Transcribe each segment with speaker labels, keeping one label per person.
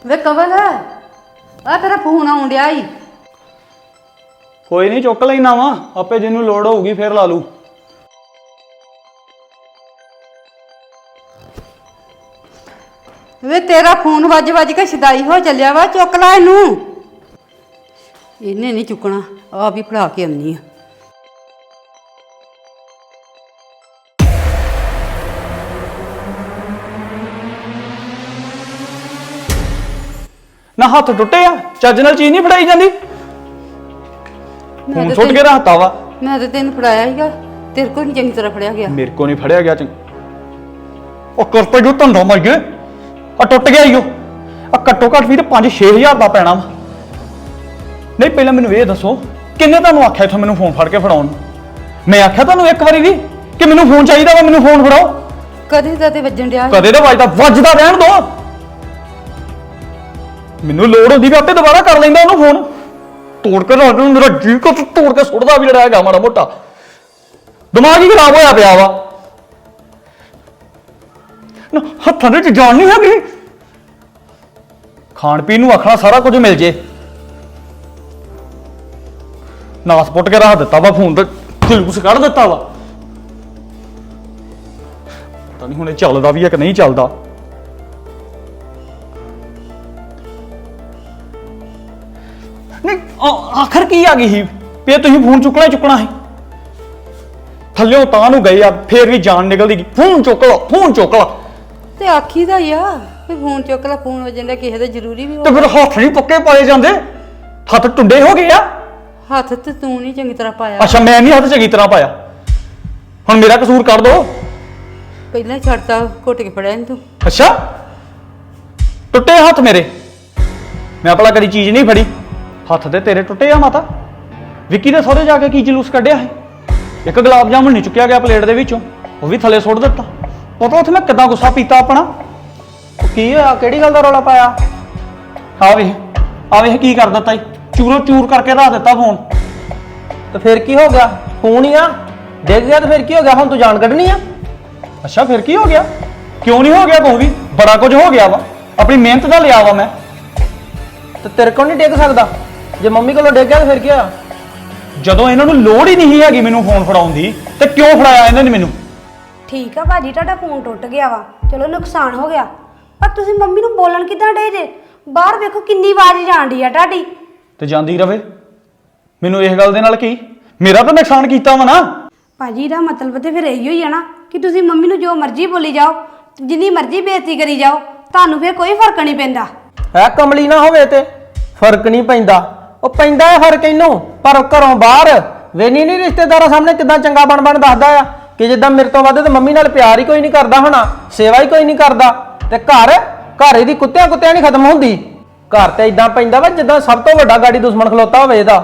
Speaker 1: ਵੇ ਕਵਲ ਆ ਤੇਰਾ ਫੋਨ ਆਉਣ ਡਿਆ ਈ।
Speaker 2: ਕੋਈ ਨਹੀਂ ਚੁੱਕ ਲੈਣਾ ਵਾ ਆਪੇ ਜਿਹਨੂੰ ਲੋੜ ਹੋਊਗੀ ਫੇਰ ਲਾ ਲੂ।
Speaker 1: ਵੇ ਤੇਰਾ ਫੋਨ ਵੱਜ ਵੱਜ ਕੇ ਛਦਾਈ ਹੋ ਚੱਲਿਆ ਵਾ, ਚੁੱਕ ਲੈ ਇਹਨੂੰ। ਇਹਨੇ ਨਹੀਂ ਚੁੱਕਣਾ, ਆ ਵੀ ਫੜਾ ਕੇ ਆਉਣੀ ਆ।
Speaker 2: ਨਾ ਹੱਥ ਟੁੱਟੇ ਆ, ਚੱਜ ਨਾਲ ਚੀਜ਼ ਨਹੀਂ ਫੜਾਈ ਜਾਂਦੀ। ਹੁਣ ਸੁੱਟ ਕੇ ਰੱਖਤਾ ਵਾ।
Speaker 1: ਮੈਂ ਤਾਂ ਤੈਨੂੰ ਫੜਾਇਆ ਸੀਗਾ, ਤੇਰੇ ਕੋਲ ਨਹੀਂ ਚੰਗੀ ਤਰ੍ਹਾਂ ਫੜਿਆ ਗਿਆ।
Speaker 2: ਮੇਰੇ ਕੋ ਨਹੀਂ ਫੜਿਆ ਗਿਆ ਉਹ ਕਰਤਾ ਜੋ ਧੰਦਾ ਮਰ ਗਏ ਆ, ਟੁੱਟ ਗਿਆ ਈਓ ਆ। ਘੱਟੋ ਘੱਟ ਵੀ ਤੇ 5-6000 ਦਾ ਪੈਣਾ ਵਾ। ਨਹੀਂ ਪਹਿਲਾਂ ਮੈਨੂੰ ਇਹ ਦੱਸੋ ਕਿੰਨੇ ਤੁਹਾਨੂੰ ਆਖਿਆ ਇੱਥੋਂ ਮੈਨੂੰ ਫੋਨ ਫੜ ਕੇ ਫੜਾਉਣ? ਮੈਂ ਆਖਿਆ ਤੁਹਾਨੂੰ ਇੱਕ ਵਾਰੀ ਵੀ ਕਿ ਮੈਨੂੰ ਫੋਨ ਚਾਹੀਦਾ ਵਾ, ਮੈਨੂੰ ਫੋਨ ਫੜਾਓ। ਕਦੇ
Speaker 1: ਦਾ ਤੇ ਵੱਜਣ ਡਿਆ,
Speaker 2: ਕਦੇ ਦਾ ਵੱਜਦਾ ਰਹਿਣ ਦੋ। ਮੈਨੂੰ ਲੋੜ ਹੁੰਦੀ ਵੀ ਆਪੇ ਦੁਬਾਰਾ ਕਰ ਲੈਂਦਾ ਉਹਨੂੰ ਫੋਨ। ਤੋੜ ਕੇ ਰੱਖ ਦੂੰ, ਮੇਰਾ ਜੀ ਕੋ ਤੋੜ ਕੇ ਸੁੱਟਦਾ ਵੀ ਜਿਹੜਾ ਹੈਗਾ ਮਾੜਾ ਮੋਟਾ। ਦਿਮਾਗ ਹੀ ਖਰਾਬ ਹੋਇਆ ਪਿਆ ਵਾ। ਹੱਥਾਂ ਦੇ ਵਿੱਚ ਜਾਨ ਨਹੀਂ ਹੈਗੀ। ਖਾਣ ਪੀਣ ਨੂੰ ਆਖਣਾ ਸਾਰਾ ਕੁਝ ਮਿਲ ਜੇ, ਨਾਸ ਪੁੱਟ ਕੇ ਰੱਖ ਦਿੱਤਾ ਵਾ ਫੋਨ ਤੇ, ਜਲੂਸ ਕੱਢ ਦਿੱਤਾ ਵਾ। ਪਤਾ ਨਹੀਂ ਹੁਣ ਇਹ ਚੱਲਦਾ ਵੀ ਹੈ ਕਿ ਨਹੀਂ ਚੱਲਦਾ। ਨਹੀਂ ਆਖਰ ਕੀ ਆ ਗਈ ਸੀ ਵੀ ਤੁਸੀਂ ਫੋਨ ਚੁੱਕਣਾ ਸੀ? ਥੱਲਿਓਂ ਤਾਂ ਨੂੰ ਗਏ ਆ, ਫੇਰ ਵੀ ਜਾਨ ਨਿਕਲਦੀ ਗਈ। ਫੋਨ ਚੁੱਕ ਲਾ
Speaker 1: ਤੇ ਆਖੀ ਦਾ ਹੀ ਆ ਵੀ ਫੋਨ ਚੁੱਕ ਲੈ, ਫੋਨ ਵਜਣ ਦਾ ਕਿਸੇ ਦਾ ਜ਼ਰੂਰੀ ਵੀ
Speaker 2: ਤੇ ਫਿਰ ਹੱਥ ਨਹੀਂ ਪੱਕੇ ਪਾਏ ਜਾਂਦੇ, ਹੱਥ ਟੁੰਡੇ ਹੋ ਗਏ ਆ।
Speaker 1: ਹੱਥ ਤੇ ਤੂੰ ਨਹੀਂ ਚੰਗੀ ਤਰ੍ਹਾਂ ਪਾਇਆ।
Speaker 2: ਅੱਛਾ ਮੈਂ ਨਹੀਂ ਹੱਥ ਚੰਗੀ ਤਰ੍ਹਾਂ ਪਾਇਆ, ਹੁਣ ਮੇਰਾ ਕਸੂਰ ਕਰ ਦੋ।
Speaker 1: ਪਹਿਲਾਂ ਛੱਡਤਾ, ਘੁੱਟ ਕੇ ਫੜਿਆ ਤੂੰ।
Speaker 2: ਅੱਛਾ ਟੁੱਟੇ ਹੱਥ ਮੇਰੇ, ਮੈਂ ਆਪਣਾ ਕਦੀ ਚੀਜ਼ ਨਹੀਂ ਫੜੀ। ਹੱਥ ਤੇ ਤੇਰੇ ਟੁੱਟੇ ਆ ਮਾਤਾ। ਵਿੱਕੀ ਦੇ ਸਹੁਰੇ ਜਾ ਕੇ ਕੀ ਜਲੂਸ ਕੱਢਿਆ ਹੈ? ਇੱਕ ਗੁਲਾਬ ਜਾਮੁਨ ਨਹੀਂ ਚੁੱਕਿਆ ਗਿਆ ਪਲੇਟ ਦੇ ਵਿੱਚੋਂ, ਉਹ ਵੀ ਥੱਲੇ ਸੁੱਟ ਦਿੱਤਾ। ਪਤਾ ਉੱਥੇ ਮੈਂ ਕਿੱਦਾਂ ਗੁੱਸਾ ਪੀਤਾ ਆਪਣਾ। ਕੀ ਹੋਇਆ, ਕਿਹੜੀ ਗੱਲ ਦਾ ਰੌਲਾ ਪਾਇਆ? ਆ ਵੇਖ ਕੀ ਕਰ ਦਿੱਤਾ ਈ, ਚੂਰੋ ਚੂਰ ਕਰਕੇ ਰੱਖ ਦਿੱਤਾ ਫੋਨ।
Speaker 3: ਤੇ ਫਿਰ ਕੀ ਹੋ ਗਿਆ? ਫੋਨ ਹੀ ਆ, ਡਿੱਗ ਗਿਆ ਤੇ ਫਿਰ ਕੀ ਹੋ ਗਿਆ? ਹੁਣ ਤੂੰ ਜਾਨ ਕੱਢਣੀ ਆ?
Speaker 2: ਅੱਛਾ ਫਿਰ ਕੀ ਹੋ ਗਿਆ? ਕਿਉਂ ਨਹੀਂ ਹੋ ਗਿਆ? ਕੋਈ ਵੀ ਬੜਾ ਕੁਝ ਹੋ ਗਿਆ ਵਾ, ਆਪਣੀ ਮਿਹਨਤ ਦਾ ਲਿਆ ਵਾ ਮੈਂ।
Speaker 3: ਤੇ ਤੇਰੇ ਕੋਲ ਨਹੀਂ ਡਿੱਗ ਸਕਦਾ? ਜੇ ਮੰਮੀ ਕੋਲੋਂ ਡਿੱਗ ਗਿਆ ਤੇ ਫਿਰ ਕੀ ਹੋਇਆ?
Speaker 2: ਜਦੋਂ ਇਹਨਾਂ ਨੂੰ ਲੋੜ ਹੀ ਨਹੀਂ ਹੈਗੀ ਮੈਨੂੰ ਫੋਨ ਫੜਾਉਣ ਦੀ, ਤੇ ਕਿਉਂ ਫੜਾਇਆ ਇਹਨਾਂ ਨੇ ਮੈਨੂੰ?
Speaker 4: ਠੀਕ ਆ ਭਾਜੀ, ਤੁਹਾਡਾ ਫੋਨ ਟੁੱਟ ਗਿਆ ਵਾ, ਚਲੋ ਨੁਕਸਾਨ ਹੋ ਗਿਆ, ਪਰ ਤੁਸੀਂ ਮੰਮੀ ਨੂੰ ਬੋਲਣ ਕਿੱਦਾਂ ਡੇ ਜੇ? ਬਾਹਰ ਵੇਖੋ ਕਿੰਨੀ ਆਵਾਜ਼ ਜਾਂਦੀ ਆ ਤੁਹਾਡੀ।
Speaker 2: ਤੇ ਜਾਂਦੀ ਰਵੇ, ਮੈਨੂੰ ਇਸ ਗੱਲ ਦੇ ਨਾਲ ਕੀ? ਮੇਰਾ ਤਾਂ ਨੁਕਸਾਨ ਕੀਤਾ ਵਾ ਨਾ।
Speaker 4: ਭਾਜੀ ਦਾ ਮਤਲਬ ਤੇ ਫਿਰ ਇਹੀ ਹੋਈ ਆ ਨਾ ਕਿ ਤੁਸੀਂ ਮੰਮੀ ਨੂੰ ਜੋ ਮਰਜ਼ੀ ਬੋਲੀ ਜਾਓ, ਜਿੰਨੀ ਮਰਜ਼ੀ ਬੇਇੱਜ਼ਤੀ ਕਰੀ ਜਾਓ, ਤੁਹਾਨੂੰ ਫਿਰ ਕੋਈ ਫਰਕ ਨਹੀਂ ਪੈਂਦਾ।
Speaker 3: ਹੈ ਕਮਲੀ ਨਾ ਹੋਵੇ ਤੇ ਫਰਕ ਨਹੀਂ ਪੈਂਦਾ। ਉਹ ਪੈਂਦਾ ਹੈ ਫਰਕ ਇਹਨੂੰ, ਪਰ ਘਰੋਂ ਬਾਹਰ ਵੇਨੀ ਨਹੀਂ ਰਿਸ਼ਤੇਦਾਰਾਂ ਸਾਹਮਣੇ ਕਿਦਾਂ ਚੰਗਾ ਬਣ ਦੱਸਦਾ ਆ ਕਿ ਜਿੱਦਾਂ ਮੇਰੇ ਤੋਂ ਵੱਧ ਤੇ ਮੰਮੀ ਨਾਲ ਪਿਆਰ ਹੀ ਕੋਈ ਨਹੀਂ ਕਰਦਾ ਹੋਣਾ, ਸੇਵਾ ਹੀ ਕੋਈ ਨਹੀਂ ਕਰਦਾ। ਤੇ ਘਰ ਇਹਦੀ ਕੁੱਤਿਆਂ ਨਹੀਂ ਖਤਮ ਹੁੰਦੀ। ਘਰ ਤੇ ਇਦਾਂ ਪੈਂਦਾ ਵਾ ਜਿੱਦਾਂ ਸਭ ਤੋਂ ਵੱਡਾ ਗਾੜੀ ਦੁਸ਼ਮਣ ਖਲੋਤਾ ਹੋਵੇ ਇਹਦਾ।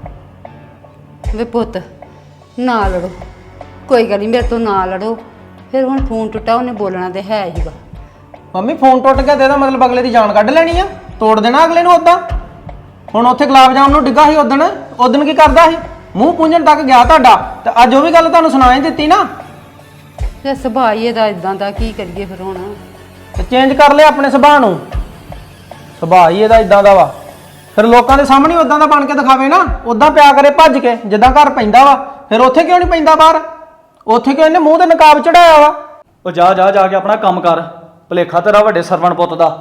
Speaker 1: ਵੇ ਪੁੱਤ ਨਾ ਲੜੋ, ਕੋਈ ਗੱਲ ਨਹੀਂ, ਮੇਰੇ ਤੋਂ ਨਾ ਲੜੋ। ਫਿਰ ਹੁਣ ਫੋਨ ਟੁੱਟਾ, ਉਹਨੇ ਬੋਲਣਾ ਤੇ ਹੈ ਹੀਗਾ।
Speaker 3: ਮੰਮੀ ਫੋਨ ਟੁੱਟ ਗਿਆ ਤੇ ਇਹਦਾ ਮਤਲਬ ਅਗਲੇ ਦੀ ਜਾਨ ਕੱਢ ਲੈਣੀ ਆ, ਤੋੜ ਦੇਣਾ ਅਗਲੇ ਨੂੰ। ਉਦਾਂ ਹੁਣ ਉੱਥੇ ਗੁਲਾਬ ਜਾਮੁਨ ਨੂੰ ਡਿੱਗਾ ਸੀ ਉਦਣ ਕੀ ਕਰਦਾ ਸੀ? ਮੂੰਹ ਪੂੰਝਣ ਤੱਕ ਗਿਆ ਤੁਹਾਡਾ, ਤੇ ਅੱਜ ਉਹ ਵੀ ਗੱਲ ਤੁਹਾਨੂੰ ਸੁਣਾ ਹੀ ਦਿੱਤੀ ਨਾ।
Speaker 1: ਤੇ ਸੁਭਾਅ ਹੀ ਇਹਦਾ ਇਦਾਂ ਦਾ, ਕੀ ਕਰੀਏ ਫਿਰ ਹੁਣ?
Speaker 3: ਤੇ ਚੇਂਜ ਕਰ ਲਿਆ ਆਪਣੇ ਸੁਭਾਅ ਨੂੰ। ਸੁਭਾਅ ਹੀ ਇਹਦਾ ਇਦਾਂ ਦਾ ਵਾ, ਫਿਰ ਲੋਕਾਂ ਦੇ ਸਾਹਮਣੇ ਉਦਾਂ ਦਾ ਬਣ ਕੇ ਦਿਖਾਵੇ ਨਾ, ਉਦਾਂ ਪਿਆ ਕਰੇ ਭੱਜ ਕੇ ਜਿੱਦਾਂ ਘਰ ਪੈਂਦਾ ਵਾ। ਫਿਰ ਉੱਥੇ ਕਿਉਂ ਨਹੀਂ ਪੈਂਦਾ ਬਾਹਰ? ਉੱਥੇ ਕਿਉਂ ਇਹਨੇ ਮੂੰਹ ਤੇ ਨਕਾਬ ਚੜਾਇਆ ਵਾ?
Speaker 2: ਉਹ ਜਾ ਕੇ ਆਪਣਾ ਕੰਮ ਕਰ, ਭੁਲੇਖਾ ਤੇਰਾ ਵੱਡੇ ਸਰਵਣ ਪੁੱਤ ਦਾ।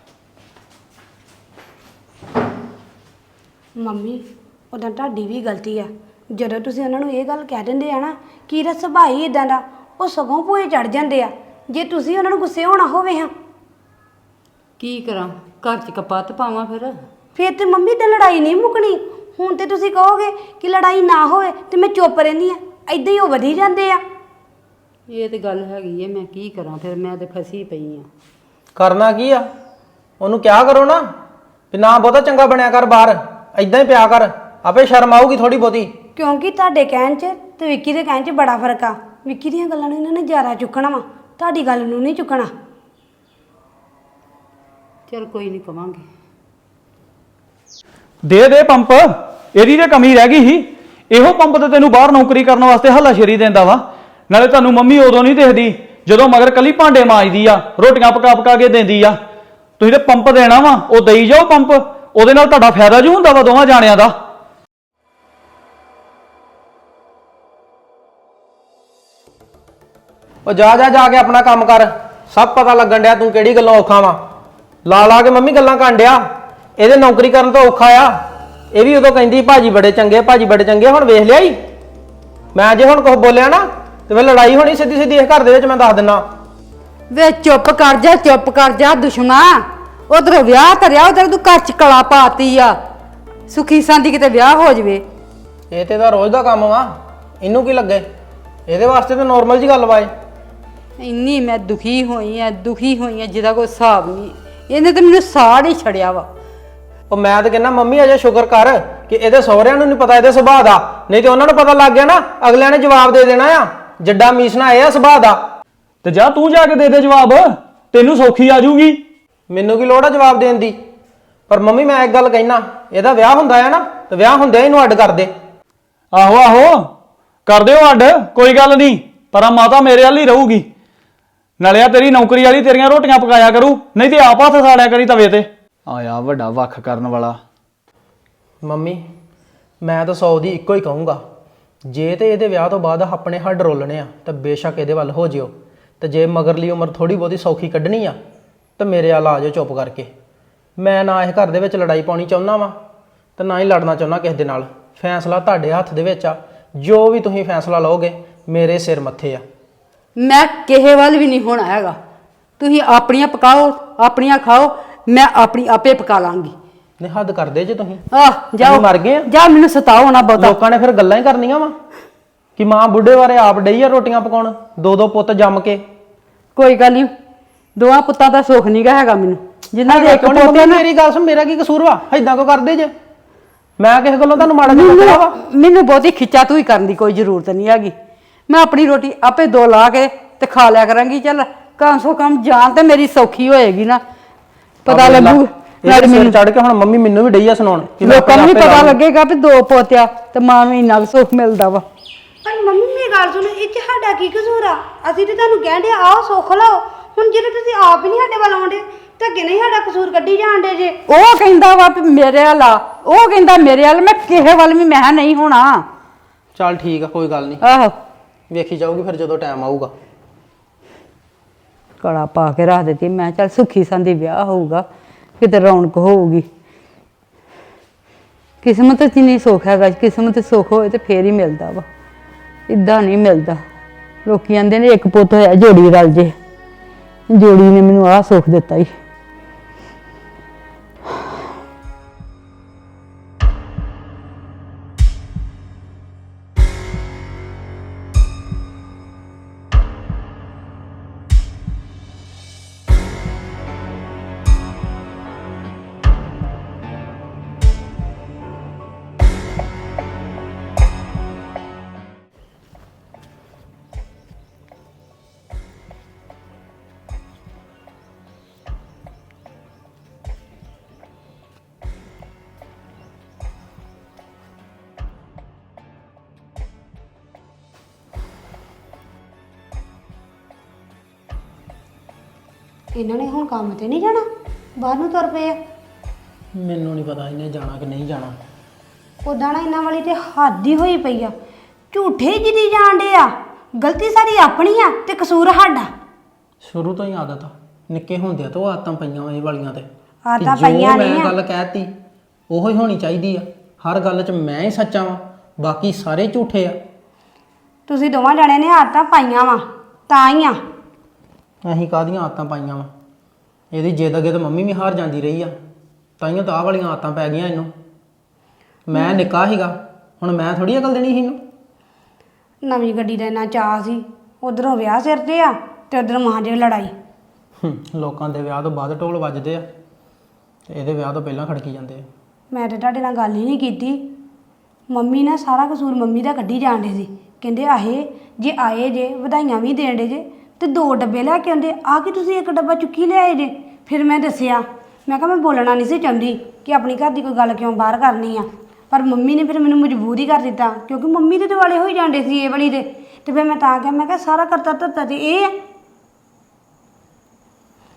Speaker 4: ਮੰਮੀ ਉਦਾਂ ਤੁਹਾਡੀ ਵੀ ਗਲਤੀ ਆ, ਜਦੋਂ ਤੁਸੀਂ ਉਹਨਾਂ ਨੂੰ ਇਹ ਗੱਲ ਕਹਿ ਦਿੰਦੇ ਆ ਨਾ ਕਿ ਇਹਦਾ ਸੁਭਾਅ ਹੀ ਇਦਾਂ ਦਾ, ਉਹ ਸਗੋਂ ਭੂਏ ਚੜ ਜਾਂਦੇ ਆ। ਜੇ ਤੁਸੀਂ ਉਹਨਾਂ ਨੂੰ ਗੁੱਸੇ ਹੋਣਾ ਹੋਵੇ ਹਾਂ,
Speaker 1: ਕੀ ਕਰਾਂ, ਘਰ 'ਚ ਕਪੱਤ ਪਾਵਾਂ
Speaker 4: ਫਿਰ ਤੇ ਮੰਮੀ ਤੇ ਲੜਾਈ ਨਹੀਂ ਮੁੱਕਣੀ। ਹੁਣ ਤੇ ਤੁਸੀਂ ਕਹੋਗੇ ਕਿ ਲੜਾਈ ਨਾ ਹੋਵੇ ਤੇ ਮੈਂ ਚੁੱਪ ਰਹਿੰਦੀ ਆ, ਏਦਾਂ ਹੀ ਉਹ ਵਧੀ ਜਾਂਦੇ ਆ।
Speaker 1: ਇਹ ਤੇ ਗੱਲ ਹੈਗੀ ਹੈ, ਮੈਂ ਕੀ ਕਰਾਂ ਫਿਰ? ਮੈਂ ਤੇ ਫਸੀ ਪਈ ਆ।
Speaker 3: ਕਰਨਾ ਕੀ ਆ? ਉਹਨੂੰ ਕਿਹਾ ਕਰੋ ਨਾ ਵੀ ਨਾ ਬਹੁਤਾ ਚੰਗਾ ਬਣਿਆ ਕਰ, ਬਾਹਰ ਏਦਾਂ ਹੀ ਪਿਆ ਕਰ, ਆਪੇ ਸ਼ਰਮ ਆਊਗੀ ਥੋੜੀ ਬਹੁਤੀ।
Speaker 4: ਕਿਉਂਕਿ ਤੁਹਾਡੇ ਕਹਿਣ 'ਚ ਤੇ ਵਿੱਕੀ ਦੇ ਕਹਿਣ 'ਚ ਬੜਾ ਫਰਕ ਆ। ਵਿੱਕੀ ਦੀਆਂ ਗੱਲਾਂ ਨੂੰ ਇਹਨਾਂ ਨੇ ਜ਼ਿਆਦਾ ਚੁੱਕਣਾ ਵਾ, ਤੁਹਾਡੀ ਗੱਲ ਨੂੰ ਨਹੀਂ ਚੁੱਕਣਾ।
Speaker 1: ਚਲ ਕੋਈ ਨਹੀਂ, ਕਵਾਂਗੇ।
Speaker 2: ਦੇ ਪੰਪ, ਇਹਦੀ ਤੇ ਕਮੀ ਰਹਿ ਗਈ ਸੀ। ਇਹੋ ਪੰਪ ਤੇ ਤੈਨੂੰ ਬਾਹਰ ਨੌਕਰੀ ਕਰਨ ਵਾਸਤੇ ਹੱਲਾਸ਼ੇਰੀ ਦਿੰਦਾ ਵਾ। ਨਾਲੇ ਤੁਹਾਨੂੰ ਮੰਮੀ ਉਦੋਂ ਨਹੀਂ ਦੇਖਦੀ ਜਦੋਂ ਮਗਰ ਕੱਲੀ ਭਾਂਡੇ ਮਾਂਜਦੀ ਆ, ਰੋਟੀਆਂ ਪਕਾ ਕੇ ਦਿੰਦੀ ਆ। ਤੁਸੀਂ ਤੇ ਪੰਪ ਦੇਣਾ ਵਾ, ਉਹ ਦੇਈ ਜਾਓ ਪੰਪ, ਉਹਦੇ ਨਾਲ ਤੁਹਾਡਾ ਫਾਇਦਾ ਜੂ ਹੁੰਦਾ ਵਾ ਦੋਵਾਂ ਜਾਣਿਆਂ ਦਾ।
Speaker 3: ਉਹ ਜਾ ਕੇ ਆਪਣਾ ਕੰਮ ਕਰ। ਸਭ ਪਤਾ ਲੱਗਣ ਡਿਆ ਤੂੰ ਕਿਹੜੀ ਗੱਲੋਂ ਔਖਾ ਵਾ। ਲਾ ਕੇ ਮੰਮੀ ਗੱਲਾਂ ਕਰਨ ਡਿਆ। ਇਹਦੇ ਨੌਕਰੀ ਕਰਨ ਤੋਂ ਔਖਾ ਆ। ਇਹ ਵੀ ਉਦੋਂ ਕਹਿੰਦੀ ਭਾਜੀ ਬੜੇ ਚੰਗੇ, ਭਾਜੀ ਬੜੇ ਚੰਗੇ। ਹੁਣ ਵੇਖ ਲਿਆ ਹੀ, ਮੈਂ ਜੇ ਹੁਣ ਕੁਝ ਬੋਲਿਆ ਨਾ ਤੇ ਫਿਰ ਲੜਾਈ ਹੋਣੀ ਸਿੱਧੀ ਇਸ ਘਰ ਦੇ ਵਿੱਚ, ਮੈਂ ਦੱਸ ਦਿੰਨਾ।
Speaker 1: ਵੇ ਚੁੱਪ ਕਰ ਜਾ ਦੁਸ਼ਮਣਾ। ਉਧਰ ਵਿਆਹ ਧਰਿਆ, ਉਧਰ ਤੂੰ ਘਰ ਚ ਕਲਾ ਪਾਤੀ ਆ। ਸੁਖੀ ਸੰਦੀ ਕਿਤੇ ਵਿਆਹ ਹੋ ਜਵੇ।
Speaker 3: ਇਹ ਤੇ ਤਾਂ ਰੋਜ਼ ਦਾ ਕੰਮ ਵਾ, ਇਹਨੂੰ ਕੀ ਲੱਗੇ? ਇਹਦੇ ਵਾਸਤੇ ਤਾਂ ਨੋਰਮਲ ਜੀ ਗੱਲ ਵਾ ਇਹ।
Speaker 1: ਇੰਨੀ ਮੈਂ ਦੁਖੀ ਹੋਈ ਆ ਜਿਹਦਾ ਕੋਈ ਹਿਸਾਬ ਨਹੀਂ। ਇਹਨੇ ਤਾਂ ਮੈਨੂੰ ਸਾੜ ਹੀ ਛੜਿਆ ਵਾ।
Speaker 3: ਉਹ ਮੈਂ ਤਾਂ ਕਹਿੰਦਾ ਮੰਮੀ ਅਜੇ ਸ਼ੁਕਰ ਕਰ ਕਿ ਇਹਦੇ ਸਹੁਰਿਆਂ ਨੂੰ ਨਹੀਂ ਪਤਾ ਇਹਦੇ ਸੁਭਾਅ ਦਾ, ਨਹੀਂ ਤੇ ਉਹਨਾਂ ਨੂੰ ਪਤਾ ਲੱਗ ਗਿਆ ਨਾ, ਅਗਲਿਆਂ ਨੇ ਜਵਾਬ ਦੇ ਦੇਣਾ ਆ। ਜੱਡਾ ਮੀਸਣਾ ਇਹ ਆ ਸੁਭਾਅ ਦਾ।
Speaker 2: ਤੇ ਜਾ ਤੂੰ ਜਾ ਕੇ ਦੇ ਦੇ ਜਵਾਬ, ਤੈਨੂੰ ਸੌਖੀ ਆ ਜੂਗੀ।
Speaker 3: ਮੈਨੂੰ ਕੀ ਲੋੜ ਆ ਜਵਾਬ ਦੇਣ ਦੀ? ਪਰ ਮੰਮੀ ਮੈਂ ਇੱਕ ਗੱਲ ਕਹਿਣਾ, ਇਹਦਾ ਵਿਆਹ ਹੁੰਦਾ ਹੈ ਨਾ ਤੇ ਵਿਆਹ ਹੁੰਦਿਆਂ ਇਹਨੂੰ ਅੱਡ ਕਰ ਦੇ।
Speaker 2: ਆਹੋ ਕਰ ਦਿਓ ਅੱਡ, ਕੋਈ ਗੱਲ ਨਹੀਂ। ਪਰ ਆ ਮਾਤਾ ਮੇਰੇ ਵੱਲ ਹੀ ਰਹੂਗੀ। ਨਾਲੇ ਆ ਤੇਰੀ ਨੌਕਰੀ ਵਾਲੀ ਤੇਰੀਆਂ ਰੋਟੀਆਂ ਪਕਾਇਆ ਕਰੂ, ਨਹੀਂ ਤੇ ਆਪ ਹੱਥ ਸਾੜਿਆ ਕਰੀ ਤਵੇ ਤੇ। ਆਇਆ ਵੱਡਾ ਵੱਖ ਕਰਨ ਵਾਲਾ।
Speaker 3: ਮੰਮੀ ਮੈਂ ਤਾਂ 100 ਦੀ ਇੱਕੋ ਹੀ ਕਹੂੰਗਾ, ਜੇ ਤੇ ਇਹਦੇ ਵਿਆਹ ਤੋਂ ਬਾਅਦ ਆਪਣੇ ਹੱਡ ਰੋਲਣੇ ਆ ਤਾਂ ਬੇਸ਼ੱਕ ਇਹਦੇ ਵੱਲ ਹੋ ਜਿਓ, ਤੇ ਜੇ ਮਗਰਲੀ ਉਮਰ ਥੋੜੀ ਬਹੁਤੀ ਸੌਖੀ ਕੱਢਣੀ ਆ ਤਾਂ ਮੇਰੇ ਵੱਲ ਆ ਜਾਓ ਚੁੱਪ ਕਰਕੇ। ਮੈਂ ਨਾ ਇਹ ਘਰ ਦੇ ਵਿੱਚ ਲੜਾਈ ਪਾਉਣੀ ਚਾਹੁੰਦਾ ਵਾਂ ਤੇ ਨਾ ਹੀ ਲੜਨਾ ਚਾਹੁੰਦਾ ਕਿਸੇ ਦੇ ਨਾਲ। ਫੈਸਲਾ ਤੁਹਾਡੇ ਹੱਥ ਦੇ ਵਿੱਚ ਆ, ਜੋ ਵੀ ਤੁਸੀਂ ਫੈਸਲਾ ਲਓਗੇ ਮੇਰੇ ਸਿਰ ਮੱਥੇ ਆ।
Speaker 1: ਮੈਂ ਕਿਸੇ ਵੱਲ ਵੀ ਨਹੀਂ ਹੋਣਾ ਹੈਗਾ। ਤੁਸੀਂ ਆਪਣੀਆਂ ਪਕਾਓ, ਆਪਣੀਆਂ ਖਾਓ, ਮੈਂ ਆਪਣੀ ਆਪੇ ਪਕਾ ਲਾਂਗੀ।
Speaker 3: ਨੇ ਹੱਦ ਕਰਦੇ ਜੇ ਤੁਸੀਂ।
Speaker 1: ਜਾਓ,
Speaker 3: ਅਸੀਂ ਮਰ ਗਏ ਆ।
Speaker 1: ਜਾ, ਮੈਨੂੰ ਸਤਾਓ ਨਾ ਬਹੁਤਾ।
Speaker 3: ਲੋਕਾਂ ਨੇ ਫਿਰ ਗੱਲਾਂ ਹੀ ਕਰਨੀਆਂ ਵਾ ਕਿ ਮਾਂ ਬੁੱਢੇ ਬਾਰੇ ਆਪ ਡਈ ਆ ਰੋਟੀਆਂ ਪਕਾਉਣ, ਦੋ ਪੁੱਤ ਜੰਮ ਕੇ।
Speaker 1: ਕੋਈ ਗੱਲ ਨਹੀਂ, ਦੋਵਾਂ ਪੁੱਤਾਂ ਦਾ ਸੁੱਖ ਨਹੀਂ ਹੈਗਾ ਮੈਨੂੰ। ਜਿਨ੍ਹਾਂ ਦੇ ਇੱਕ ਪੋਤੇ ਨਾ।
Speaker 3: ਮੇਰੀ ਗੱਲ ਸੁਣ, ਮੇਰਾ ਕੀ ਕਸੂਰ ਵਾ? ਏਦਾਂ ਕੋ ਕਰਦੇ ਜੇ? ਮੈਂ ਕਿਸੇ ਗੱਲੋਂ ਤੁਹਾਨੂੰ ਮਾੜਾ ਜਿਹਾ ਕਿਹਾ ਵਾ?
Speaker 1: ਮੈਨੂੰ ਬਹੁਤੀ ਖਿੱਚਾ ਤੂੰ ਹੀ ਕਰਨ ਦੀ ਕੋਈ ਜ਼ਰੂਰਤ ਨਹੀਂ ਹੈਗੀ। ਮੈਂ ਆਪਣੀ ਰੋਟੀ ਆਪੇ ਦੋ ਲਾ ਕੇ ਤੇ ਖਾ ਲਿਆ ਕਰਾਂਗੀ। ਚੱਲ ਕਮ ਸੋ ਕਮ ਜਾਨ ਤੇ ਮੇਰੀ ਸੌਖੀ ਹੋਏਗੀ ਨਾ, ਪਤਾ ਲੱਗੂ।
Speaker 3: ਨਾਲੇ ਮੈਨੂੰ ਚੜ ਕੇ ਹੁਣ ਮੰਮੀ ਮੈਨੂੰ ਵੀ ਡਈ ਆ ਸੁਣਾਉਣ ਕਿ
Speaker 1: ਲੋਕਾਂ ਨੂੰ ਵੀ ਪਤਾ ਲੱਗੇਗਾ ਵੀ ਦੋ ਪੋਤਿਆ ਤੇ ਮਾਂ ਨੂੰ ਇੰਨਾ ਸੁੱਖ ਮਿਲਦਾ ਵਾ।
Speaker 4: ਪਰ ਮੰਮੀ ਮੇਰੀ ਗੱਲ ਸੁਣੋ, ਇਹ 'ਚ ਸਾਡਾ ਕੀ ਕਸੂਰ ਆ? ਅਸੀਂ ਤੇ ਤੁਹਾਨੂੰ ਕਹਿੰਦੇ ਆਓ ਸੁੱਖ ਲਓ। ਹੁਣ ਜਿਹੜੇ ਤੁਸੀਂ ਆਪ ਹੀ ਨਹੀਂ ਸਾਡੇ ਵੱਲ ਆਉਂਦੇ ਤਾਂ ਅੱਗੇ ਨਹੀਂ ਸਾਡਾ ਕਸੂਰ ਕੱਢੀ ਜਾਂਦੇ ਜੇ।
Speaker 1: ਉਹ ਕਹਿੰਦਾ ਵਾ ਵੀ ਮੇਰੇ ਵੱਲ ਆ, ਉਹ ਕਹਿੰਦਾ ਮੇਰੇ ਵੱਲ। ਮੈਂ ਕਿਸੇ ਵੱਲ ਵੀ ਮੈਂ ਨਹੀਂ ਹੋਣਾ।
Speaker 3: ਚੱਲ ਠੀਕ ਆ, ਕੋਈ ਗੱਲ ਨਹੀਂ,
Speaker 1: ਆਹੋ
Speaker 3: ਵੇਖੀ ਜਾਊਗੀ ਫਿਰ ਜਦੋਂ ਟਾਈਮ ਆਊਗਾ।
Speaker 1: ਕੜਾ ਪਾ ਕੇ ਰੱਖ ਦਿੱਤੀ। ਮੈਂ ਚੱਲ ਸੁੱਖੀ ਸੰਦੀ ਵਿਆਹ ਹੋਊਗਾ, ਕਿਤੇ ਰੌਣਕ ਹੋਊਗੀ। ਕਿਸਮਤ 'ਚ ਨਹੀਂ ਸੁੱਖ ਹੈਗਾ। ਕਿਸਮਤ 'ਚ ਸੁੱਖ ਹੋਏ ਤੇ ਫੇਰ ਹੀ ਮਿਲਦਾ ਵਾ, ਇੱਦਾਂ ਨਹੀਂ ਮਿਲਦਾ। ਲੋਕੀ ਕਹਿੰਦੇ ਨੇ ਇੱਕ ਪੁੱਤ ਹੋਇਆ ਜੋੜੀ ਰਲ ਜੇ। ਜੋੜੀ ਨੇ ਮੈਨੂੰ ਆਹ ਸੁੱਖ ਦਿੱਤਾ ਹੀ।
Speaker 4: ਇਹਨਾਂ ਨੇ ਹੁਣ ਕੰਮ ਤੇ ਨਹੀਂ ਜਾਣਾ, ਬਾਹਰ ਨੂੰ ਤੁਰ ਪਏ ਆ।
Speaker 3: ਮੈਨੂੰ ਨਹੀਂ ਪਤਾ ਇਹਨੇ ਜਾਣਾ ਕਿ ਨਹੀਂ ਜਾਣਾ।
Speaker 4: ਉਦਾਂ ਨਾ ਇਹਨਾਂ ਵਾਲੀ ਤੇ ਹੱਦ ਹੀ ਹੋਈ ਪਈ ਆ। ਝੂਠੇ ਜਿੱਦੀ ਜਾਣਦੇ ਆ। ਗਲਤੀ ਸਾਡੀ ਆਪਣੀ ਆ ਤੇ ਕਸੂਰ ਸਾਡਾ।
Speaker 3: ਸ਼ੁਰੂ ਤੋਂ ਹੀ ਆਦਤ ਆ, ਨਿੱਕੇ ਹੁੰਦਿਆਂ ਤੋਂ ਆਦਤਾਂ ਪਈਆਂ ਇਹ ਵਾਲੀਆਂ ਤੇ।
Speaker 4: ਆਦਤਾਂ
Speaker 3: ਜੋ
Speaker 4: ਪਈਆਂ ਨਹੀਂ
Speaker 3: ਮੈਂ
Speaker 4: ਆ।
Speaker 3: ਗੱਲ ਕਹਿਤੀ ਉਹੋ ਹੀ ਹੋਣੀ ਚਾਹੀਦੀ ਆ। ਹਰ ਗੱਲ 'ਚ ਮੈਂ ਹੀ ਸੱਚਾ ਵਾਂ, ਬਾਕੀ ਸਾਰੇ ਝੂਠੇ ਆ।
Speaker 4: ਤੁਸੀਂ ਦੋਵਾਂ ਜਣਿਆਂ ਨੇ ਆਦਤਾਂ ਪਾਈਆਂ ਵਾ ਤਾਂ ਹੀ ਆ।
Speaker 3: ਅਸੀਂ ਕਾਹਦੀਆਂ ਆਦਤਾਂ ਪਾਈਆਂ ਵਾ? ਇਹਦੀ ਜਿੱਦ ਅੱਗੇ ਤਾਂ ਮੰਮੀ ਵੀ ਹਾਰ ਜਾਂਦੀ ਰਹੀ ਆ, ਤਾਈਓ ਤਾਂ ਆਹ ਵਾਲੀਆਂ ਆਦਤਾਂ ਪੈ ਗਈਆਂ ਇਹਨੂੰ। ਮੈਂ ਨਿੱਕਾ ਸੀਗਾ, ਹੁਣ ਮੈਂ ਥੋੜੀ ਅਕਲ ਦੇਣੀ ਸੀ ਇਹਨੂੰ।
Speaker 4: ਨਵੀਂ ਗੱਡੀ ਦਾ ਇੰਨਾ ਚਾਅ ਸੀ, ਉਧਰੋਂ ਵਿਆਹ ਸਿਰ ਤੇ ਆ ਤੇ ਉਧਰੋਂ ਮਾਂ ਜੇ ਲੜਾਈ।
Speaker 3: ਲੋਕਾਂ ਦੇ ਵਿਆਹ ਤੋਂ ਬਾਅਦ ਢੋਲ ਵੱਜਦੇ ਆ ਤੇ ਇਹਦੇ ਵਿਆਹ ਤੋਂ ਪਹਿਲਾਂ ਖੜਕੀ ਜਾਂਦੇ ਆ।
Speaker 4: ਮੈਂ ਤੇ ਤੁਹਾਡੇ ਨਾਲ ਗੱਲ ਹੀ ਨਹੀਂ ਕੀਤੀ। ਮੰਮੀ ਨੇ ਸਾਰਾ ਕਸੂਰ ਮੰਮੀ ਦਾ ਕੱਢੀ ਜਾਂਦੇ ਸੀ। ਕਹਿੰਦੇ ਆਹੇ ਜੇ ਆਏ ਜੇ ਵਧਾਈਆਂ ਵੀ ਦੇਣ ਡੇ ਜੇ ਤੇ 2 ਡੱਬੇ ਲੈ ਕੇ ਆਉਂਦੇ, ਆ ਕਿ ਤੁਸੀਂ 1 ਡੱਬਾ ਚੁੱਕੀ ਲਿਆਏ ਜੇ। ਫਿਰ ਮੈਂ ਦੱਸਿਆ, ਮੈਂ ਕਿਹਾ ਮੈਂ ਬੋਲਣਾ ਨਹੀਂ ਸੀ ਚਾਹੁੰਦੀ ਕਿ ਆਪਣੀ ਘਰ ਦੀ ਕੋਈ ਗੱਲ ਕਿਉਂ ਬਾਹਰ ਕਰਨੀ ਆ, ਪਰ ਮੰਮੀ ਨੇ ਫਿਰ ਮੈਨੂੰ ਮਜਬੂਰ ਹੀ ਕਰ ਦਿੱਤਾ ਕਿਉਂਕਿ ਮੰਮੀ ਦੇ ਦੁਆਲੇ ਹੋਈ ਜਾਂਦੇ ਸੀ ਇਹ ਵਾਲੀ ਦੇ। ਤੇ ਫਿਰ ਮੈਂ ਤਾਂ ਕਿਹਾ, ਮੈਂ ਕਿਹਾ ਸਾਰਾ ਕਰਤਾ ਧਰਤਾ ਤੇ ਇਹ ਆ।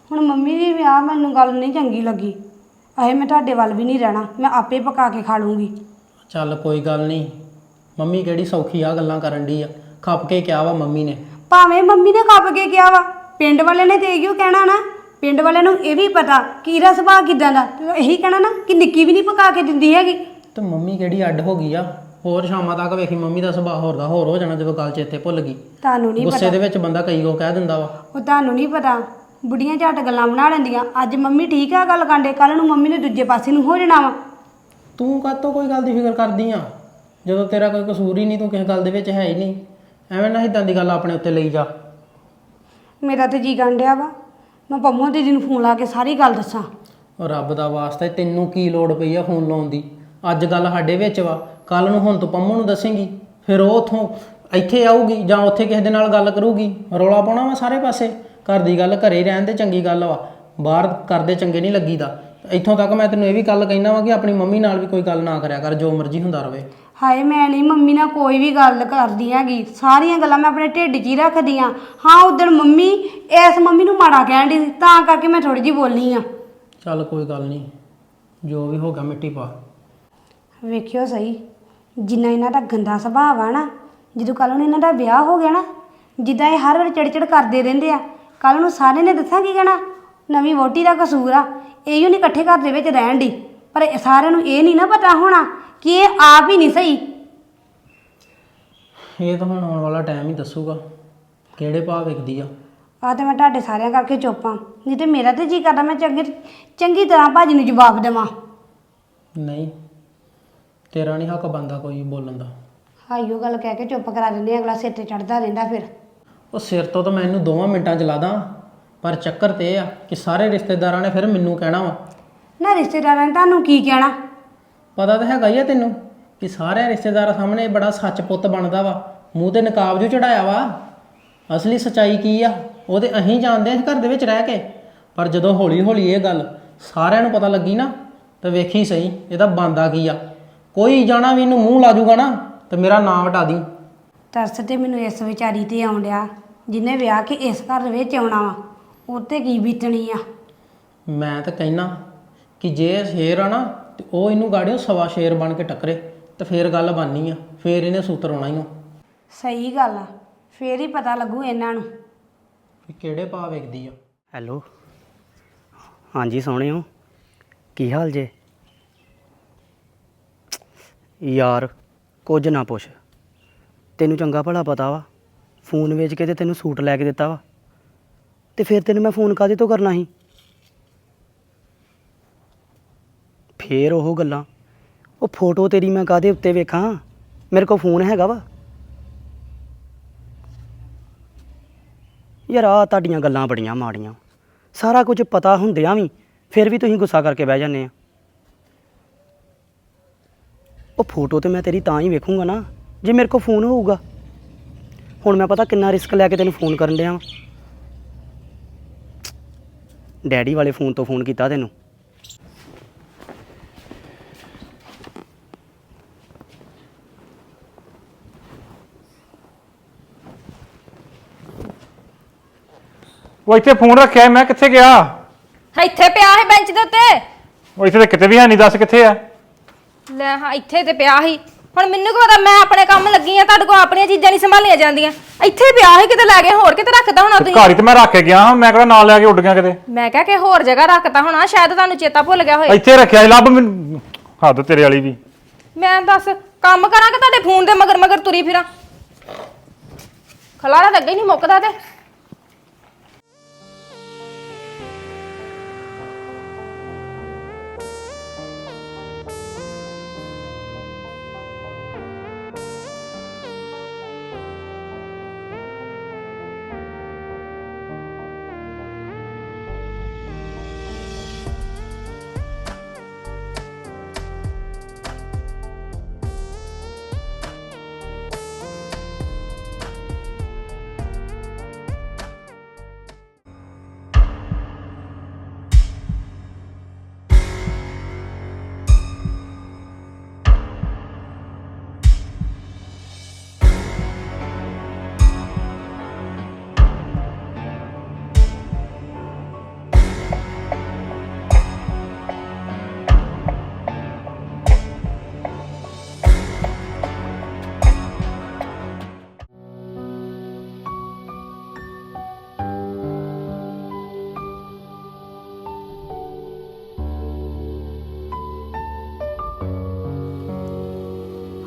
Speaker 4: ਹੁਣ ਮੰਮੀ ਦੀ ਵੀ ਆ ਮੈਨੂੰ ਗੱਲ ਨਹੀਂ ਚੰਗੀ ਲੱਗੀ। ਅਹੇ ਮੈਂ ਤੁਹਾਡੇ ਵੱਲ ਵੀ ਨਹੀਂ ਰਹਿਣਾ, ਮੈਂ ਆਪੇ ਪਕਾ ਕੇ ਖਾ ਲੂੰਗੀ।
Speaker 3: ਚੱਲ ਕੋਈ ਗੱਲ ਨਹੀਂ, ਮੰਮੀ ਕਿਹੜੀ ਸੌਖੀ ਆ ਗੱਲਾਂ ਕਰਨ ਦੀ ਆ। ਖੱਪ ਕੇ ਕਿਹਾ ਵਾ ਮੰਮੀ ਨੇ।
Speaker 4: ਭਾਵੇਂ ਮੰਮੀ ਨੇ ਕੱਪ ਕੇ ਕਿਹਾ ਵਾ, ਪਿੰਡ ਵਾਲੇ ਨੇ ਤੇ ਇਹੋ ਕਹਿਣਾ ਨਾ। ਪਿੰਡ ਵਾਲਿਆਂ ਨੂੰ ਇਹ ਵੀ ਪਤਾ ਕਿ ਇਹਦਾ ਸੁਭਾਅ ਕਿਦਾਂ ਦਾ, ਤੇ ਇਹੀ ਕਹਿਣਾ ਨਾ ਕਿ ਨਿੱਕੀ ਵੀ ਨਹੀਂ ਪਕਾ ਕੇ ਦਿੰਦੀ ਹੈਗੀ।
Speaker 3: ਤੇ ਮੰਮੀ ਕਿਹੜੀ ਅੱਡ ਹੋ ਗਈ ਆ। ਹੋਰ ਸ਼ਾਮਾਂ ਤੱਕ ਵੇਖੀ ਮੰਮੀ ਦਾ ਸੁਭਾਅ ਹੋਰ ਦਾ ਹੋਰ ਹੋ ਜਾਣਾ ਜਦੋਂ ਗੱਲ ਚੇਤੇ ਭੁੱਲ ਗਈ।
Speaker 4: ਤੁਹਾਨੂੰ ਨਹੀਂ
Speaker 3: ਗੁੱਸੇ
Speaker 4: ਪਤਾ,
Speaker 3: ਦੇ ਵਿੱਚ ਬੰਦਾ ਕਈ ਕੋ ਕਹਿ ਦਿੰਦਾ ਵਾ।
Speaker 4: ਉਹ ਤੁਹਾਨੂੰ ਨਹੀਂ ਪਤਾ। ਬੁੱਢੀਆਂ ਝੱਟ ਗੱਲਾਂ ਬਣਾ ਲੈਂਦੀਆਂ। ਅੱਜ ਮੰਮੀ ਠੀਕ ਆ ਗੱਲ ਕਾਂਡੇ, ਕੱਲ ਨੂੰ ਮੰਮੀ ਨੇ ਦੂਜੇ ਪਾਸੇ ਨੂੰ ਹੋ ਜਾਣਾ ਵਾ।
Speaker 3: ਤੂੰ ਕਾਹਤੋਂ ਕੋਈ ਗੱਲ ਦੀ ਫਿਕਰ ਕਰਦੀ ਆ ਜਦੋਂ ਤੇਰਾ ਕੋਈ ਕਸੂਰ ਹੀ ਨਹੀਂ, ਤੂੰ ਕਿਸੇ ਗੱਲ ਦੇ ਵਿੱਚ ਹੈ ਹੀ ਨਹੀਂ। ਐਵੇਂ ਨਾ ਇਦਾਂ ਦੀ ਗੱਲ ਆਪਣੇ ਉੱਤੇ ਲਈ ਜਾ।
Speaker 4: ਮੇਰਾ ਤੇ ਜੀ ਕਾਂਡਿਆ ਵਾ, ਮੈਂ ਪੰਮੋ ਦੀਦੀ ਨੂੰ ਫੋਨ ਲਾ ਕੇ ਸਾਰੀ ਗੱਲ ਦੱਸਾਂ।
Speaker 3: ਉਹ ਰੱਬ ਦਾ ਵਾਸਤਾ ਤੈਨੂੰ ਕੀ ਲੋੜ ਪਈ ਆ ਫੋਨ ਲਾਉਣ ਦੀ। ਅੱਜ ਗੱਲ ਸਾਡੇ ਵਿੱਚ ਵਾ, ਕੱਲ ਨੂੰ ਹੁਣ ਤੂੰ ਪੰਮੋ ਨੂੰ ਦੱਸੇਂਗੀ, ਫਿਰ ਉਹ ਉੱਥੋਂ ਇੱਥੇ ਆਊਗੀ ਜਾਂ ਉੱਥੇ ਕਿਸੇ ਦੇ ਨਾਲ ਗੱਲ ਕਰੂਗੀ। ਰੌਲਾ ਪਾਉਣਾ ਵਾ ਸਾਰੇ ਪਾਸੇ। ਘਰ ਦੀ ਗੱਲ ਘਰੇ ਹੀ ਰਹਿਣ ਤੇ ਚੰਗੀ ਗੱਲ ਵਾ, ਬਾਹਰ ਕਰਦੇ ਚੰਗੇ ਨਹੀਂ ਲੱਗੀਦਾ। ਇੱਥੋਂ ਤੱਕ ਮੈਂ ਤੈਨੂੰ ਇਹ ਵੀ ਗੱਲ ਕਹਿਣਾ ਵਾ ਕਿ ਆਪਣੀ ਮੰਮੀ ਨਾਲ ਵੀ ਕੋਈ ਗੱਲ ਨਾ ਕਰਿਆ ਕਰ, ਜੋ ਮਰਜ਼ੀ ਹੁੰਦਾ ਰਵੇ।
Speaker 4: ਹਾਏ ਮੈਂ ਨਹੀਂ ਮੰਮੀ ਨਾਲ ਕੋਈ ਵੀ ਗੱਲ ਕਰਦੀ ਹੈਗੀ, ਸਾਰੀਆਂ ਗੱਲਾਂ ਮੈਂ ਆਪਣੇ ਢਿੱਡ 'ਚ ਹੀ ਰੱਖਦੀ ਹਾਂ। ਹਾਂ ਉਦੋਂ ਮੰਮੀ ਇਸ ਮੰਮੀ ਨੂੰ ਮਾੜਾ ਕਹਿਣ ਦੀ, ਤਾਂ ਕਰਕੇ ਮੈਂ ਥੋੜੀ ਜਿਹੀ ਬੋਲੀ ਆ।
Speaker 3: ਚੱਲ ਕੋਈ ਗੱਲ ਨਹੀਂ, ਜੋ ਵੀ ਹੋ ਗਿਆ ਮਿੱਟੀ ਪਾ।
Speaker 4: ਵੇਖਿਓ ਸਹੀ, ਜਿੰਨਾ ਇਹਨਾਂ ਦਾ ਗੰਦਾ ਸੁਭਾਅ ਆ ਨਾ, ਜਦੋਂ ਕੱਲ ਨੂੰ ਇਹਨਾਂ ਦਾ ਵਿਆਹ ਹੋ ਗਿਆ ਨਾ, ਜਿੱਦਾਂ ਇਹ ਹਰ ਵਾਰ ਚਿੜਚਿੜ ਕਰਦੇ ਰਹਿੰਦੇ ਆ, ਕੱਲ ਨੂੰ ਸਾਰੇ ਨੇ ਦੱਸਾਂ ਕੀ ਕਹਿਣਾ, ਨਵੀਂ ਵਹੁਟੀ ਦਾ ਕਸੂਰ ਆ, ਇਹੋ ਨਹੀਂ ਇਕੱਠੇ ਘਰ ਦੇ ਵਿੱਚ ਰਹਿਣ ਦੀ। ਪਰ ਸਾਰਿਆਂ ਨੂੰ ਇਹ ਨਹੀਂ ਨਾ ਪਤਾ ਹੋਣਾ ਕਿ ਇਹ ਆਪ ਹੀ ਨਹੀਂ ਸਹੀ।
Speaker 3: ਇਹ ਤਾਂ ਹੁਣ ਆਉਣ ਵਾਲਾ ਟਾਈਮ ਹੀ ਦੱਸੂਗਾ ਕਿਹੜੇ ਭਾਅ ਵਿਕਦੀ ਆ।
Speaker 4: ਆ ਤੇ ਮੈਂ ਤੁਹਾਡੇ ਸਾਰਿਆਂ ਕਰਕੇ ਚੁੱਪ ਆ, ਨਹੀਂ ਤੇ ਮੇਰਾ ਤੇ ਜੀ ਕਰਦਾ ਮੈਂ ਚੰਗੀ ਤਰ੍ਹਾਂ ਭਾਜੀ ਨੂੰ ਜਵਾਬ ਦੇਵਾਂ।
Speaker 3: ਨਹੀਂ, ਤੇਰਾ ਨਹੀਂ ਹੱਕ ਬਣਦਾ ਕੋਈ ਬੋਲਣ ਦਾ।
Speaker 4: ਹਾਈਓ ਗੱਲ ਕਹਿ ਕੇ ਚੁੱਪ ਕਰਾ ਦਿੰਦੇ, ਅਗਲਾ ਸਿਰ ਤੇ ਚੜਦਾ ਰਹਿੰਦਾ ਫਿਰ।
Speaker 3: ਉਹ ਸਿਰ ਤੋਂ ਤਾਂ ਮੈਂ ਇਹਨੂੰ 2 ਮਿੰਟਾਂ 'ਚ ਲਾ ਦਾਂ, ਪਰ ਚੱਕਰ ਤੇ ਇਹ ਆ ਕਿ ਸਾਰੇ ਰਿਸ਼ਤੇਦਾਰਾਂ ਨੇ ਫਿਰ ਮੈਨੂੰ ਕਹਿਣਾ ਵਾ।
Speaker 4: ਨਾ ਰਿਸ਼ਤੇਦਾਰਾਂ ਨੇ ਤੁਹਾਨੂੰ ਕੀ ਕਹਿਣਾ?
Speaker 3: ਪਤਾ ਤਾਂ ਹੈਗਾ ਹੀ ਆ ਤੈਨੂੰ ਕਿ ਸਾਰੇ ਰਿਸ਼ਤੇਦਾਰਾਂ ਸਾਹਮਣੇ ਬੜਾ ਸੱਚ ਪੁੱਤ ਬਣਦਾ ਵਾ, ਮੂੰਹ ਤੇ ਨਕਾਬ ਜੋ ਚੜਾਇਆ ਵਾ। ਅਸਲੀ ਸੱਚਾਈ ਕੀ ਆ ਉਹ ਤੇ ਅਸੀਂ ਜਾਣਦੇ ਹਾਂ ਘਰ ਦੇ ਵਿੱਚ ਰਹਿ ਕੇ। ਪਰ ਜਦੋਂ ਹੌਲੀ ਹੌਲੀ ਇਹ ਗੱਲ ਸਾਰਿਆਂ ਨੂੰ ਪਤਾ ਲੱਗੀ ਨਾ, ਤਾਂ ਵੇਖੀ ਸਹੀ ਇਹਦਾ ਬਣਦਾ ਕੀ ਆ। ਕੋਈ ਜਾਣਾ ਵੀ ਇਹਨੂੰ ਮੂੰਹ ਲਾ ਜੂਗਾ ਨਾ ਤੇ ਮੇਰਾ ਨਾਂ ਵਟਾ ਦੀ।
Speaker 4: ਤਰਸ ਤੇ ਮੈਨੂੰ ਇਸ ਵਿਚਾਰੀ ਤੇ ਆਉਣ ਡਿਆ, ਜਿਹਨੇ ਵਿਆਹ ਕੇ ਇਸ ਘਰ ਦੇ ਵਿੱਚ ਆਉਣਾ ਵਾ, ਉਹ ਤੇ ਕੀ ਬੀਤਣੀ ਆ।
Speaker 3: ਮੈਂ ਤਾਂ ਕਹਿਣਾ ਕਿ ਜੇ ਸ਼ੇਰ ਆ ਨਾ ਤੇ ਉਹ ਇਹਨੂੰ ਗਾੜਿਓ ਸਵਾ ਸ਼ੇਰ ਬਣ ਕੇ ਟੱਕਰੇ, ਤੇ ਫੇਰ ਗੱਲ ਬਣਨੀ ਆ, ਫੇਰ ਇਹਨੇ ਸੂਤਰ ਆਉਣਾ ਹੀ ਆ।
Speaker 4: ਸਹੀ ਗੱਲ ਆ, ਫੇਰ ਹੀ ਪਤਾ ਲੱਗੂ ਇਹਨਾਂ ਨੂੰ
Speaker 3: ਕਿ ਕਿਹੜੇ ਭਾਅ ਵਿਕਦੀ ਆ।
Speaker 5: ਹੈਲੋ, ਹਾਂਜੀ ਸੋਹਣਿਓ, ਕੀ ਹਾਲ ਜੇ? ਯਾਰ ਕੁਝ ਨਾ ਪੁੱਛ, ਤੈਨੂੰ ਚੰਗਾ ਭਲਾ ਪਤਾ ਵਾ, ਫੋਨ ਵੇਚ ਕੇ ਤੇ ਤੈਨੂੰ ਸੂਟ ਲੈ ਕੇ ਦਿੱਤਾ ਵਾ, ਤੇ ਫਿਰ ਤੈਨੂੰ ਮੈਂ ਫੋਨ ਕਾਹਦੇ ਤੋਂ ਕਰਨਾ ਸੀ? ਫੇਰ ਉਹ ਗੱਲਾਂ, ਉਹ ਫੋਟੋ ਤੇਰੀ ਮੈਂ ਕਾਹਦੇ ਉੱਤੇ ਵੇਖਾਂ? ਮੇਰੇ ਕੋਲ ਫੋਨ ਹੈਗਾ ਵਾ। ਯਾਰ ਆਹ ਤੁਹਾਡੀਆਂ ਗੱਲਾਂ ਬੜੀਆਂ ਮਾੜੀਆਂ, ਸਾਰਾ ਕੁਝ ਪਤਾ ਹੁੰਦਿਆਂ ਵੀ ਫਿਰ ਵੀ ਤੁਸੀਂ ਗੁੱਸਾ ਕਰਕੇ ਬਹਿ ਜਾਂਦੇ ਆ। ਉਹ ਫੋਟੋ ਤੇ ਮੈਂ ਤੇਰੀ ਤਾਂ ਹੀ ਵੇਖੂੰਗਾ ਨਾ ਜੇ ਮੇਰੇ ਕੋਲ ਫੋਨ ਹੋਊਗਾ। ਹੁਣ ਮੈਂ ਪਤਾ ਕਿੰਨਾ ਰਿਸਕ ਲੈ ਕੇ ਤੈਨੂੰ ਫੋਨ ਕਰਨ ਡਿਆ ਵਾਂ। ਡੈਡੀ ਵਾਲੇ ਫੋਨ ਤੋਂ ਫੋਨ ਕੀਤਾ ਤੈਨੂੰ।
Speaker 6: ਉਹ ਇੱਥੇ ਫੋਨ ਰੱਖਿਆ ਮੈਂ ਕਿੱਥੇ ਗਿਆ?
Speaker 7: ਇੱਥੇ ਪਿਆ ਸੀ ਬੈਂਚ ਦੇ ਉੱਤੇ।
Speaker 6: ਉਹ ਇੱਥੇ ਤਾਂ ਕਿਤੇ ਵੀ ਹੈ ਨਹੀਂ, ਦੱਸ ਕਿੱਥੇ ਆ?
Speaker 7: ਲੈ ਹਾਂ ਇੱਥੇ ਤੇ ਪਿਆ ਸੀ। ਹੁਣ ਮੈਨੂੰ ਕੀ ਪਤਾ, ਮੈਂ ਆਪਣੇ ਕੰਮ ਲੱਗੀ ਆ, ਤੁਹਾਡੇ ਕੋਲ ਆਪਣੀਆਂ ਚੀਜ਼ਾਂ ਨਹੀਂ ਸੰਭਾਲੀਆਂ ਜਾਂਦੀਆਂ। ਇੱਥੇ ਪਿਆ ਸੀ, ਕਿਤੇ ਲੈ ਗਏ ਹੋਰ ਕਿਤੇ ਰੱਖਦਾ ਹੋਣਾ ਤੁਸੀਂ।
Speaker 6: ਘਰ ਹੀ ਤੇ ਮੈਂ ਰੱਖ ਕੇ ਗਿਆ ਹਾਂ, ਮੈਂ ਕਿਹੜਾ ਨਾਲ ਲੈ ਕੇ ਉੱਡ ਗਿਆ ਕਿਤੇ।
Speaker 7: ਮੈਂ ਕਿਹਾ ਕਿ ਹੋਰ ਜਗ੍ਹਾ ਰੱਖਤਾ ਹੋਣਾ, ਸ਼ਾਇਦ ਤੁਹਾਨੂੰ ਚੇਤਾ ਭੁੱਲ ਗਿਆ ਹੋਏ।
Speaker 6: ਇੱਥੇ ਰੱਖਿਆ ਸੀ, ਲੱਭ ਮੈਨੂੰ। ਹੱਦ ਤੇਰੇ ਵਾਲੀ ਵੀ।
Speaker 7: ਮੈਂ ਦੱਸ ਕੰਮ ਕਰਾਂ ਕਿ ਤੁਹਾਡੇ ਫੋਨ ਦੇ ਮਗਰ ਮਗਰ ਤੁਰੀ ਫਿਰਾਂ? ਖਲਾਰਾ ਤਾਂ ਅੱਗੇ ਹੀ ਨਹੀਂ ਮੁੱਕਦਾ ਤੇ।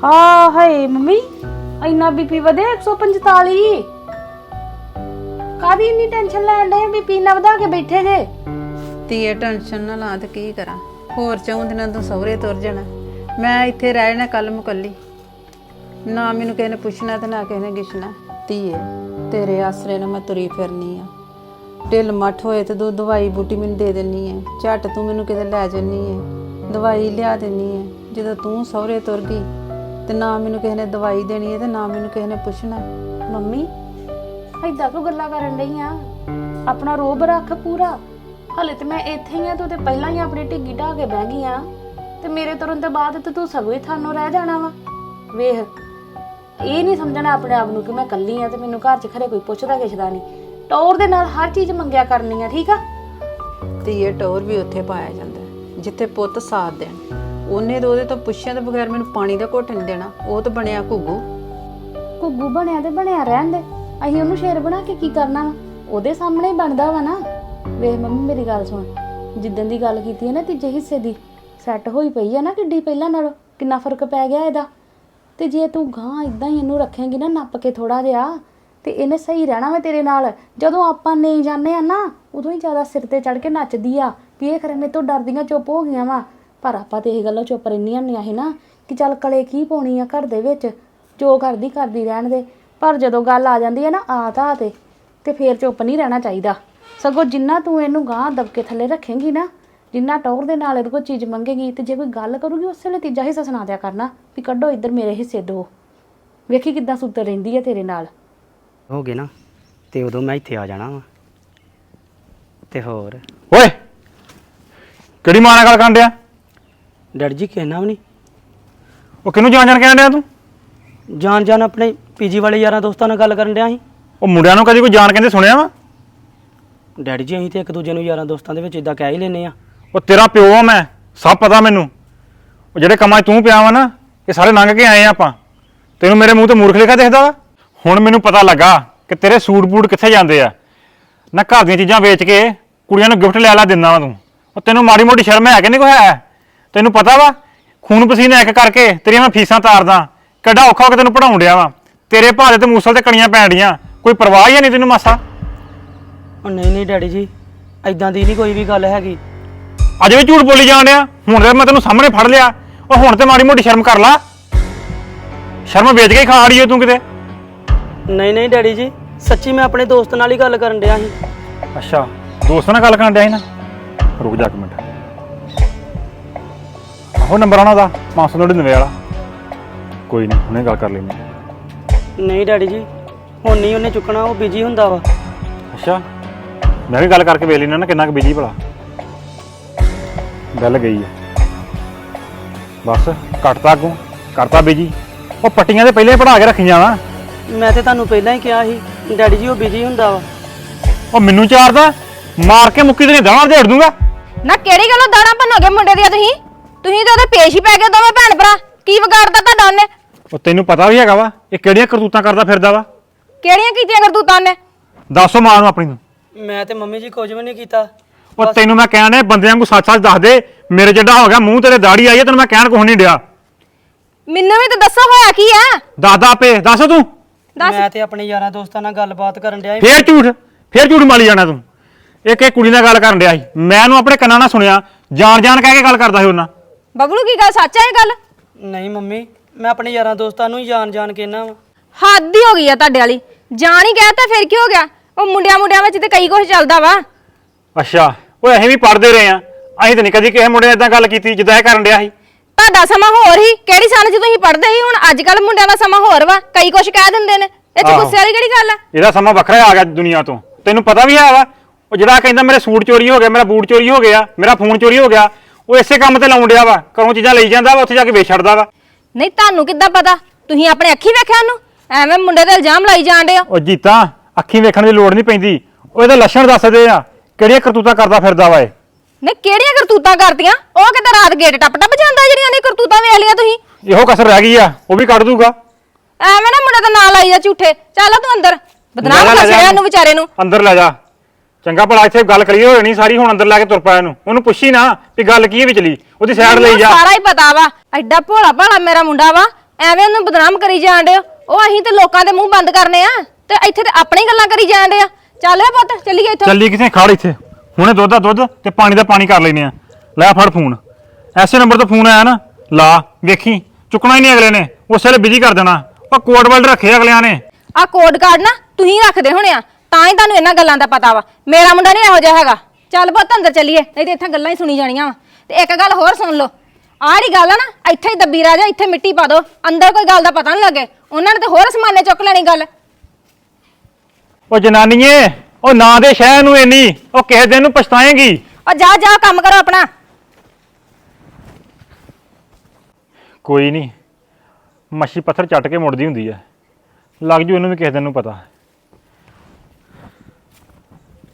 Speaker 4: ਹਾਂ ਹਾਏ ਮੰਮੀ ਇੰਨਾ ਬੀਪੀ ਵਧਿਆ 145। ਕਾਦੀ ਇੰਨੀ ਟੈਨਸ਼ਨ ਲੈਣ ਦੇ ਬੀਪੀ ਨਾ ਵਧਾ ਕੇ ਬੈਠੇ ਜੇ?
Speaker 1: ਧੀਏ ਟੈਨਸ਼ਨ ਨਾ ਲਾ ਤੇ ਕੀ ਕਰਾਂ, ਹੋਰ 4 ਦਿਨਾਂ ਤੋਂ ਸਹੁਰੇ ਤੁਰ ਜਾਣਾ। ਮੈਂ ਇੱਥੇ ਰਹਿ ਜਾਣਾ ਕੱਲ ਮੁਕੱਲੀ, ਨਾ ਮੈਨੂੰ ਕਿਸੇ ਨੇ ਪੁੱਛਣਾ ਤੇ ਨਾ ਕਿਸੇ ਨੇ ਗਿੱਛਣਾ। ਧੀਏ ਤੇਰੇ ਆਸਰੇ ਨਾਲ ਮੈਂ ਤੁਰੀ ਫਿਰਨੀ ਆ, ਢਿੱਲ ਮੱਠ ਹੋਏ ਤੇ ਤੂੰ ਦਵਾਈ ਬੂਟੀ ਮੈਨੂੰ ਦੇ ਦਿੰਨੀ ਹੈ, ਝੱਟ ਤੂੰ ਮੈਨੂੰ ਕਿਤੇ ਲੈ ਜੰਨੀ ਹੈ, ਦਵਾਈ ਲਿਆ ਦਿੰਨੀ ਹੈ। ਜਦੋਂ ਤੂੰ ਸਹੁਰੇ ਤੁਰ ਗਈ ਤੇ ਨਾ ਮੈਨੂੰ ਕਿਸੇ ਨੇ ਦਵਾਈ ਦੇਣੀ ਹੈ ਤੇ ਨਾ ਮੈਨੂੰ ਕਿਸੇ ਨੇ ਪੁੱਛਣਾ।
Speaker 4: ਮੰਮੀ ਏਦਾਂ ਕਿਉਂ ਗੱਲਾਂ ਕਰਨ ਡਈ ਆ? ਆਪਣਾ ਰੋਬ ਰੱਖ ਪੂਰਾ। ਹਲੇ ਤੇ ਮੈਂ ਇੱਥੇ ਹੀ ਆ, ਤੂੰ ਤੇ ਪਹਿਲਾਂ ਹੀ ਆਪਣੀ ਢਿੱਗੀ ਢਾਹ ਕੇ ਬਹਿ ਗਈ ਆ ਤੇ ਮੇਰੇ ਤੁਰਨ ਤੋਂ ਬਾਅਦ ਤੇ ਤੂੰ ਸਗੋਂ ਹੀ ਥਾਨੋਂ ਰਹਿ ਜਾਣਾ ਵਾ। ਵੇਖ ਇਹ ਨਹੀਂ ਸਮਝਣਾ ਆਪਣੇ ਆਪ ਨੂੰ ਕਿ ਮੈਂ ਇਕੱਲੀ ਆ ਤੇ ਮੈਨੂੰ ਘਰ 'ਚ ਖਰੇ ਕੋਈ ਪੁੱਛਦਾ ਕਿਛਦਾ ਨਹੀਂ। ਟੌਰ ਦੇ ਨਾਲ ਹਰ ਚੀਜ਼ ਮੰਗਿਆ ਕਰਨੀ ਆ, ਠੀਕ ਆ?
Speaker 1: ਧੀਏ ਟੌਰ ਵੀ ਉੱਥੇ ਪਾਇਆ ਜਾਂਦਾ ਜਿੱਥੇ ਪੁੱਤ ਸਾਥ ਦੇਣ। ਉਹਨੇ ਤਾਂ ਉਹਦੇ ਤੋਂ ਪੁੱਛਿਆ ਤੋਂ ਬਗੈਰ ਮੈਨੂੰ ਪਾਣੀ ਦਾ ਘੁੱਟ ਨਹੀਂ ਦੇਣਾ। ਉਹ ਤਾਂ ਬਣਿਆ ਘੁੱਗੂ।
Speaker 4: ਘੁੱਗੂ ਬਣਿਆ ਤੇ ਬਣਿਆ ਰਹਿਣ ਦੇ, ਅਸੀਂ ਉਹਨੂੰ ਸ਼ੇਰ ਬਣਾ ਕੇ ਕੀ ਕਰਨਾ ਵਾ? ਉਹਦੇ ਸਾਹਮਣੇ ਹੀ ਬਣਦਾ ਵਾ ਨਾ। ਵੇਖ ਮੰਮੀ ਮੇਰੀ ਗੱਲ ਸੁਣ, ਜਿੱਦਣ ਦੀ ਗੱਲ ਕੀਤੀ ਹੈ ਨਾ ਤੀਜੇ ਹਿੱਸੇ ਦੀ, ਸੈੱਟ ਹੋਈ ਪਈ ਆ ਨਾ ਕਿੱਡੀ ਪਹਿਲਾਂ ਨਾਲੋਂ, ਕਿੰਨਾ ਫਰਕ ਪੈ ਗਿਆ ਇਹਦਾ। ਤੇ ਜੇ ਤੂੰ ਗਾਂ ਇਦਾਂ ਹੀ ਇਹਨੂੰ ਰੱਖੇਂਗੀ ਨਾ ਨੱਪ ਕੇ ਥੋੜਾ ਜਿਹਾ, ਤੇ ਇਹਨੇ ਸਹੀ ਰਹਿਣਾ ਵਾ ਤੇਰੇ ਨਾਲ। ਜਦੋਂ ਆਪਾਂ ਨਹੀਂ ਜਾਂਦੇ ਆ ਨਾ ਉਦੋਂ ਹੀ ਜ਼ਿਆਦਾ ਸਿਰ ਤੇ ਚੜ ਕੇ ਨੱਚਦੀ ਆ ਵੀ ਇਹ ਖਰੇ ਮੇਰੇ ਤੋਂ ਡਰਦੀਆਂ ਚੁੱਪ ਹੋ ਗਈਆਂ ਵਾ। ਪਰ ਆਪਾਂ ਤੇ ਇਹ ਗੱਲਾਂ ਚੁੱਪ ਰਹਿੰਦੀਆਂ ਹੁੰਦੀਆਂ ਸੀ ਨਾ ਕਿ ਚੱਲ ਕਲੇ ਕੀ ਪਾਉਣੀ ਆ ਘਰ ਦੇ ਵਿੱਚ, ਜੋ ਕਰਦੀ ਰਹਿਣ ਦੇ। ਪਰ ਜਦੋਂ ਗੱਲ ਆ ਜਾਂਦੀ ਹੈ ਨਾ ਆ ਤੇ ਫੇਰ ਚੁੱਪ ਨਹੀਂ ਰਹਿਣਾ ਚਾਹੀਦਾ। ਸਗੋਂ ਜਿੰਨਾ ਤੂੰ ਇਹਨੂੰ ਗਾਂ ਦਬਕੇ ਥੱਲੇ ਰੱਖੇਂਗੀ ਨਾ, ਜਿੰਨਾ ਟੌਰ ਦੇ ਨਾਲ ਇਹਦੇ ਕੋਲ ਚੀਜ਼ ਮੰਗੇਗੀ, ਤੇ ਜੇ ਕੋਈ ਗੱਲ ਕਰੂਗੀ ਉਸੇ ਵੇਲੇ ਤੀਜਾ ਹਿੱਸਾ ਸੁਣਾ ਦਿਆ ਕਰਨਾ ਵੀ ਕੱਢੋ ਇੱਧਰ ਮੇਰੇ ਹਿੱਸੇ ਦੋ। ਵੇਖੀ ਕਿੱਦਾਂ ਸੁੱਤਰ ਰਹਿੰਦੀ ਹੈ ਤੇਰੇ ਨਾਲ।
Speaker 5: ਹੋ ਗਏ ਨਾ ਤੇ ਉਦੋਂ ਮੈਂ ਇੱਥੇ ਆ ਜਾਣਾ ਵਾ। ਤੇ ਹੋਰ
Speaker 6: ਓਏ ਕਿਹੜੀ ਮਾਂ ਨਾਲ ਗੱਲ ਕਰਨ ਡਿਆ?
Speaker 5: ਡੈਡੀ ਜੀ ਕਹਿਣਾ ਵੀ ਨਹੀਂ।
Speaker 6: ਉਹ ਕਿਹਨੂੰ ਜਾਣ ਜਾਣ ਕਹਿਣ ਡਿਆ ਤੂੰ?
Speaker 5: ਜਾਣ ਆਪਣੇ ਪੀਜੀ ਵਾਲੇ ਯਾਰਾਂ ਦੋਸਤਾਂ ਨਾਲ ਗੱਲ ਕਰਨ ਡਿਆ ਸੀ।
Speaker 6: ਉਹ ਮੁੰਡਿਆਂ ਨੂੰ ਕਦੀ ਕੋਈ ਜਾਣ ਕਹਿੰਦੇ ਸੁਣਿਆ ਵਾ?
Speaker 5: ਡੈਡੀ ਜੀ ਅਸੀਂ ਤੇ ਇੱਕ ਦੂਜੇ ਨੂੰ ਯਾਰਾਂ ਦੋਸਤਾਂ ਦੇ ਵਿੱਚ ਇਦਾਂ ਕਹਿ ਹੀ ਲੈਨੇ ਆ।
Speaker 6: ਉਹ ਤੇਰਾ ਪਿਓ ਆ ਮੈਂ, ਸਭ ਪਤਾ ਮੈਨੂੰ। ਉਹ ਜਿਹੜੇ ਕੰਮਾਂ 'ਚ ਤੂੰ ਪਿਆ ਵਾ ਨਾ, ਇਹ ਸਾਰੇ ਲੰਘ ਕੇ ਆਏ ਆ ਆਪਾਂ। ਤੈਨੂੰ ਮੇਰੇ ਮੂੰਹ ਤੇ ਮੂਰਖ ਲਿਖਿਆ ਦਿਖਦਾ ਵਾ? ਹੁਣ ਮੈਨੂੰ ਪਤਾ ਲੱਗਾ ਕਿ ਤੇਰੇ ਸੂਟ ਬੂਟ ਕਿੱਥੇ ਜਾਂਦੇ ਆ। ਨਾ ਘਰ ਦੀਆਂ ਚੀਜ਼ਾਂ ਵੇਚ ਕੇ ਕੁੜੀਆਂ ਨੂੰ ਗਿਫਟ ਲੈ ਦਿੰਦਾ ਵਾ ਤੂੰ। ਉਹ ਤੈਨੂੰ ਮਾੜੀ ਮੋਟੀ ਸ਼ਰਮ ਹੈ ਕਿ ਨਹੀਂ ਕੋਈ ਹੈ? ਤੈਨੂੰ ਪਤਾ ਵਾ ਖੂਨ ਪਸੀਨਾ ਇੱਕ ਕਰਕੇ ਤੇਰੀਆਂ ਮੈਂ ਫੀਸਾਂ ਤਾਰਦਾ, ਕਿੱਡਾ ਔਖਾ ਹੋ ਕੇ ਤੈਨੂੰ ਪੜਾਉਣ ਡਿਆ ਵਾ। ਤੇਰੇ ਭਾਰੇ ਤੇ ਮੂਸਲ ਤੇ ਕਣੀਆਂ ਪੈਣ ਡੀਆਂ, ਕੋਈ ਪਰਵਾਹ ਹੀ ਨਹੀਂ ਤੈਨੂੰ ਮਾਸਾ।
Speaker 5: ਉਹ ਨਹੀਂ ਡੈਡੀ ਜੀ ਐਦਾਂ ਦੀ ਨਹੀਂ ਕੋਈ ਵੀ ਗੱਲ ਹੈਗੀ।
Speaker 6: ਅਜੇ ਵੀ ਝੂਠ ਬੋਲੀ ਜਾਣ ਡਿਆ। ਹੁਣ ਤੇ ਮੈਂ ਤੈਨੂੰ ਸਾਹਮਣੇ ਫੜ ਲਿਆ। ਉਹ ਹੁਣ ਤੇ ਮਾੜੀ ਮੋਟੀ ਸ਼ਰਮ ਕਰ ਲਾ। ਸ਼ਰਮ ਵੇਚ ਕੇ ਹੀ ਖਾ ਰਹੀ ਓ ਤੂੰ ਕਿਤੇ।
Speaker 5: ਨਹੀਂ ਡੈਡੀ ਜੀ ਸੱਚੀ ਮੈਂ ਆਪਣੇ ਦੋਸਤ ਨਾਲ ਹੀ ਗੱਲ ਕਰਨ ਡਿਆ ਸੀ।
Speaker 6: ਅੱਛਾ ਦੋਸਤ ਨਾਲ ਗੱਲ ਕਰਨ ਡਿਆ ਸੀ ਨਾ? ਰੁਕ ਜਾ ਇੱਕ ਮਿੰਟ। ਆਹੋ ਨੰਬਰ ਆਣਾ ਦਾ 599 ਵਾਲਾ। ਕੋਈ ਨਹੀਂ ਹੁਣੇ ਗੱਲ ਕਰ ਲੈਂਦੇ।
Speaker 5: ਨਹੀਂ ਡੈਡੀ ਜੀ ਹੁਣ ਨਹੀਂ ਉਹਨੇ ਚੁੱਕਣਾ, ਉਹ ਬਿਜੀ ਹੁੰਦਾ ਵਾ।
Speaker 6: ਅੱਛਾ ਮੈਂ ਵੀ ਗੱਲ ਕਰਕੇ ਵੇਖ ਲੈਣਾ ਨਾ ਕਿੰਨਾ ਕੁ ਬਿਜੀ ਭਲਾ। ਗੱਲ ਗਈ ਆ ਬਸ, ਕੱਟਤਾ ਅੱਗੋਂ ਕਰਤਾ ਬਿਜੀ। ਉਹ ਪੱਟੀਆਂ ਤੇ ਪਹਿਲੇ ਪੜਾ ਕੇ ਰੱਖੀਆਂ ਵਾ।
Speaker 5: ਮੈਂ ਤੇ ਤੁਹਾਨੂੰ ਪਹਿਲਾਂ ਹੀ ਕਿਹਾ ਸੀ ਡੈਡੀ ਜੀ ਉਹ ਬਿਜੀ ਹੁੰਦਾ ਵਾ।
Speaker 6: ਉਹ ਮੈਨੂੰ ਚਾਰਦਾ, ਮਾਰ ਕੇ ਮੁੱਕੀ ਤੇ ਨਹੀਂ ਦਾਣਾ ਝੇੜ ਦੂੰਗਾ।
Speaker 7: ਨਾ ਕਿਹੜੀ ਗੱਲੋਂ ਦਾਣਾ ਭੰਨੋਗੇ ਮੁੰਡੇ ਦੀਆਂ ਤੁਸੀਂ ਤੇ ਉਹਦੇ ਪੇਸ਼ ਹੀ ਪੈ ਗਏ ਦੋਵੇਂ ਭੈਣ ਭਰਾ। ਕੀ ਵਿਗਾੜਦਾ ਤੁਹਾਡਾ ਉਹਨੇ?
Speaker 6: ਉਹ ਤੈਨੂੰ ਪਤਾ ਵੀ ਹੈਗਾ ਵਾ ਇਹ ਕਿਹੜੀਆਂ ਕਰਤੂਤਾਂ ਕਰਦਾ ਫਿਰਦਾ ਵਾ।
Speaker 7: ਕਿਹੜੀਆਂ ਕੀਤੀਆਂ ਕਰਤੂਤਾਂ ਨੇ?
Speaker 6: ਦੱਸੋ ਮਾਂ ਨੂੰ ਆਪਣੀ ਨੂੰ।
Speaker 5: ਮੈਂ ਤੇ ਮੰਮੀ ਜੀ ਕੁਝ ਵੀ ਨਹੀਂ ਕੀਤਾ।
Speaker 6: ਉਹ ਤੈਨੂੰ ਮੈਂ ਕਹਿਣ ਡਿਆ ਬੰਦਿਆਂ ਨੂੰ ਸੱਚ ਦੱਸ ਦੇ। ਮੇਰੇ ਜਿੱਡਾ ਹੋ ਗਿਆ ਮੂੰਹ ਤੇਰੇ ਦਾੜੀ ਆਈ ਹੈ, ਤੈਨੂੰ ਮੈਂ ਕਹਿਣ ਕੁਛ ਨਹੀਂ ਡਿਆ।
Speaker 7: ਮੈਨੂੰ ਵੀ ਤਾਂ ਦੱਸੋ ਹੋਇਆ ਕੀ ਆ?
Speaker 6: ਦੱਸਦਾ ਆਪੇ, ਦੱਸ ਤੂੰ।
Speaker 5: ਮੈਂ ਤੇ ਆਪਣੇ ਯਾਰਾਂ ਦੋਸਤਾਂ ਨਾਲ ਗੱਲਬਾਤ ਕਰਨ ਡਿਆ ਸੀ।
Speaker 6: ਫੇਰ ਝੂਠ ਮਾਲੀ ਜਾਣਾ ਤੂੰ। ਇੱਕ ਕੁੜੀ ਨਾਲ ਗੱਲ ਕਰਨ ਡਿਆ ਸੀ, ਮੈਂ ਉਹਨੂੰ ਆਪਣੇ ਕੰਨਾਂ ਨਾਲ ਸੁਣਿਆ। ਜਾਣ ਕਹਿ ਕੇ ਗੱਲ ਕਰਦਾ ਸੀ ਉਹਨਾਂ।
Speaker 7: ਬਬਲੂ ਕੀ ਗੱਲ ਸੱਚ ਹੈ ਇਹ ਗੱਲ?
Speaker 5: ਨਹੀਂ ਮੰਮੀ ਮੈਂ ਆਪਣੇ ਯਾਰਾਂ ਦੋਸਤਾਂ ਨੂੰ ਹੀ ਜਾਣ ਕਹਿਣਾ ਵਾ।
Speaker 7: ਹੱਦ ਹੀ ਹੋ ਗਈ ਆ ਤੁਹਾਡੇ ਵਾਲੀ। ਜਾਣ ਹੀ ਕਹਿਤਾ ਫਿਰ ਕੀ ਹੋ ਗਿਆ? ਉਹ ਮੁੰਡਿਆਂ ਵਿੱਚ ਤੇ ਕਈ ਕੁਝ ਚੱਲਦਾ ਵਾ।
Speaker 6: ਅੱਛਾ ਉਹ ਅਸੀਂ ਵੀ ਪੜ੍ਹਦੇ ਰਹੇ ਆ। ਅਸੀਂ ਤਾਂ ਨਹੀਂ ਕਦੀ ਕਿਸੇ ਮੁੰਡੇ ਨਾਲ ਏਦਾਂ ਗੱਲ ਕੀਤੀ ਜਿੱਦਾਂ ਇਹ ਕਰਨ ਡਿਆ ਸੀ।
Speaker 7: ਤੁਹਾਡਾ ਸਮਾਂ ਹੋਰ ਹੀ ਕਿਹੜੀ ਸਨ ਚ ਤੁਸੀਂ ਪੜ੍ਹਦੇ ਸੀ, ਹੁਣ ਅੱਜ ਕੱਲ ਮੁੰਡਿਆਂ ਦਾ ਸਮਾਂ ਹੋਰ ਵਾ। ਕਈ ਕੁਝ ਕਹਿ ਦਿੰਦੇ ਨੇ, ਇਹ ਚ ਗੁੱਸੇ ਵਾਲੀ ਕਿਹੜੀ ਗੱਲ ਆ?
Speaker 6: ਇਹਦਾ ਸਮਾਂ ਵੱਖਰਾ ਆ ਗਿਆ ਦੁਨੀਆ ਤੋਂ। ਤੈਨੂੰ ਪਤਾ ਵੀ ਹੈ ਵਾ ਉਹ ਜਿਹੜਾ ਕਹਿੰਦਾ ਮੇਰੇ ਸੂਟ ਚੋਰੀ ਹੋ ਗਿਆ, ਮੇਰਾ ਬੂਟ ਚੋਰੀ ਹੋ ਗਿਆ, ਮੇਰਾ ਫੋਨ ਚੋਰੀ ਹੋ ਗਿਆ, ਉਹ ਇਸੇ ਕੰਮ ਤੇ ਲਾਉਣ ਡਿਆ ਵਾ। ਘਰੋਂ ਚੀਜ਼ਾਂ ਲਈ ਜਾਂਦਾ ਵਾ, ਉੱਥੇ ਜਾ ਕੇ ਵੇਚ ਛੱਡਦਾ ਵਾ।
Speaker 7: ਨਹੀਂ ਤੁਹਾਨੂੰ ਕਿੱਦਾਂ ਪਤਾ? ਤੁਸੀਂ ਆਪਣੇ ਅੱਖੀ ਵੇਖਿਆ ਉਹਨੂੰ? ਐਵੇਂ ਮੁੰਡੇ ਤੇ ਇਲਜ਼ਾਮ ਲਾਈ ਜਾਂਦੇ ਹੋ।
Speaker 6: ਉਹ ਜੀਤਾ ਅੱਖੀਂ ਵੇਖਣ ਦੀ ਲੋੜ ਨਹੀਂ ਪੈਂਦੀ, ਉਹ ਇਹਦੇ ਲੱਛਣ ਦੱਸਦੇ ਆ ਕਿਹੜੀਆਂ ਕਰਤੂਤਾਂ ਕਰਦਾ ਫਿਰਦਾ ਵਾ ਇਹ।
Speaker 7: ਨਹੀਂ ਕਿਹੜੀਆਂ ਕਰਤੂਤਾਂ ਕਰਤੀਆਂ? ਉਹ ਕਿਤੇ ਰਾਤ ਗੇਟ ਟੱਪ ਜਾਂਦਾ ਜਿਹੜੀਆਂ ਨੇ ਕਰਤੂਤਾਂ ਵੇਖ ਲਿਆ ਤੁਸੀਂ।
Speaker 6: ਇਹੋ ਕਸਰ ਰਹਿ ਗਈ ਆ, ਉਹ ਵੀ ਕੱਢ ਦੂਗਾ।
Speaker 7: ਐਵੇਂ ਨਾ ਮੁੰਡੇ ਦਾ ਨਾਂ ਲਾਈ ਜਾ ਝੂਠੇ। ਚੱਲ ਤੂੰ ਅੰਦਰ, ਬਦਨਾਮ ਕਰ ਛੜਿਆ ਉਹਨੂੰ ਵਿਚਾਰੇ ਨੂੰ।
Speaker 6: ਅੰਦਰ ਲੈ ਜਾ। ਚੰਗਾ ਭਲਾ ਇੱਥੇ ਗੱਲ ਕਲੀਅਰ ਹੋ ਜਾਣੀ ਸਾਰੀ। ਹੁਣ ਅੰਦਰ ਲੈ ਕੇ ਤੁਰ ਪਾ ਇਹਨੂੰ। ਉਹਨੂੰ ਪੁੱਛੀ ਨਾ ਵੀ ਗੱਲ ਕੀ ਵਿਚਲੀ, ਉਹਦੀ ਸਾਈਡ ਲਈ ਜਾ।
Speaker 7: ਸਾਰਾ ਹੀ ਪਤਾ ਵਾ। ਐਡਾ ਭੋਲਾ ਭਾਲਾ ਮੇਰਾ ਮੁੰਡਾ ਵਾ, ਐਵੇਂ ਉਹਨੂੰ ਬਦਨਾਮ ਕਰੀ ਜਾਣ ਡਿਓ। ਉਹ ਅਸੀਂ ਤੇ ਲੋਕਾਂ ਦੇ ਮੂੰਹ ਬੰਦ ਕਰਨੇ ਆ ਤੇ ਇੱਥੇ ਤੇ ਆਪਣੀ ਗੱਲਾਂ ਕਰੀ ਜਾਣ ਡਿਆ। ਚੱਲ ਵੇ ਪੁੱਤ ਚੱਲੀਏ ਇੱਥੋਂ।
Speaker 6: ਚੱਲੀ ਕਿਥੇ ਖੜ ਇੱਥੇ ਹੁਣੇ ਦੁੱਧ ਦਾ ਦੁੱਧ ਤੇ ਪਾਣੀ ਦਾ ਪਾਣੀ ਕਰ ਲੈਨੇ ਆ। ਲੈ ਫੜ ਫੋਨ, ਐਸੇ ਨੰਬਰ ਤੋਂ ਫੋਨ ਆਇਆ ਨਾ ਲਾ, ਵੇਖੀ ਚੁੱਕਣਾ ਹੀ ਨਹੀਂ ਅਗਲੇ ਨੇ, ਉਸੇ ਵੇਲੇ ਬਿਜੀ ਕਰ ਦੇਣਾ। ਉਹ ਕੋਡ ਵਰਡ ਰੱਖੇ ਅਗਲਿਆਂ ਨੇ।
Speaker 7: ਆ ਕੋਡ ਕਾਰਡ ਨਾ ਤੁਸੀਂ ਰੱਖਦੇ ਹੋਣੇ ਆ, ਤਾਂ ਹੀ ਤੁਹਾਨੂੰ ਇਹਨਾਂ ਗੱਲਾਂ ਦਾ ਪਤਾ ਵਾ। ਮੇਰਾ ਮੁੰਡਾ ਨਹੀਂ ਇਹੋ ਜਿਹਾ ਹੈਗਾ। ਚੱਲ ਪੁੱਤ ਅੰਦਰ ਚੱਲੀਏ, ਨਹੀਂ ਤੇ ਇੱਥੇ ਗੱਲਾਂ ਹੀ ਸੁਣੀ ਜਾਣੀਆਂ ਵਾ। ਤੇ ਇੱਕ ਗੱਲ ਹੋਰ ਸੁਣ ਲਓ, ਆੜੀ ਗੱਲ ਆ ਨਾ, ਇੱਥੇ ਹੀ ਦੱਬੀ ਰਹਿ ਜਾ, ਇੱਥੇ ਮਿੱਟੀ ਪਾ ਦੋ, ਅੰਦਰ ਕੋਈ ਗੱਲ ਦਾ ਪਤਾ ਨਹੀਂ ਲੱਗੇ। ਉਹਨਾਂ ਨੇ ਤੇ ਹੋਰ ਸਮਾਨੇ ਚੁੱਕ ਲੈਣੀ ਗੱਲ।
Speaker 6: ਉਹ ਜਨਾਨੀਏ, ਉਹ ਨਾ ਦੇ ਸ਼ਹਿਰ ਨੂੰ ਇੰਨੀ, ਉਹ ਕਿਸੇ ਦਿਨ ਨੂੰ ਪਛਤਾਏਂਗੀ।
Speaker 7: ਉਹ ਜਾ ਜਾ ਕੰਮ ਕਰੋ ਆਪਣਾ।
Speaker 6: ਕੋਈ ਨਹੀਂ, ਮੱਛੀ ਪੱਥਰ ਚੱਟ ਕੇ ਮੁੜਦੀ ਹੁੰਦੀ ਹੈ, ਲੱਗ ਜੂ ਇਹਨੂੰ ਵੀ ਕਿਸੇ ਦਿਨ ਨੂੰ ਪਤਾ।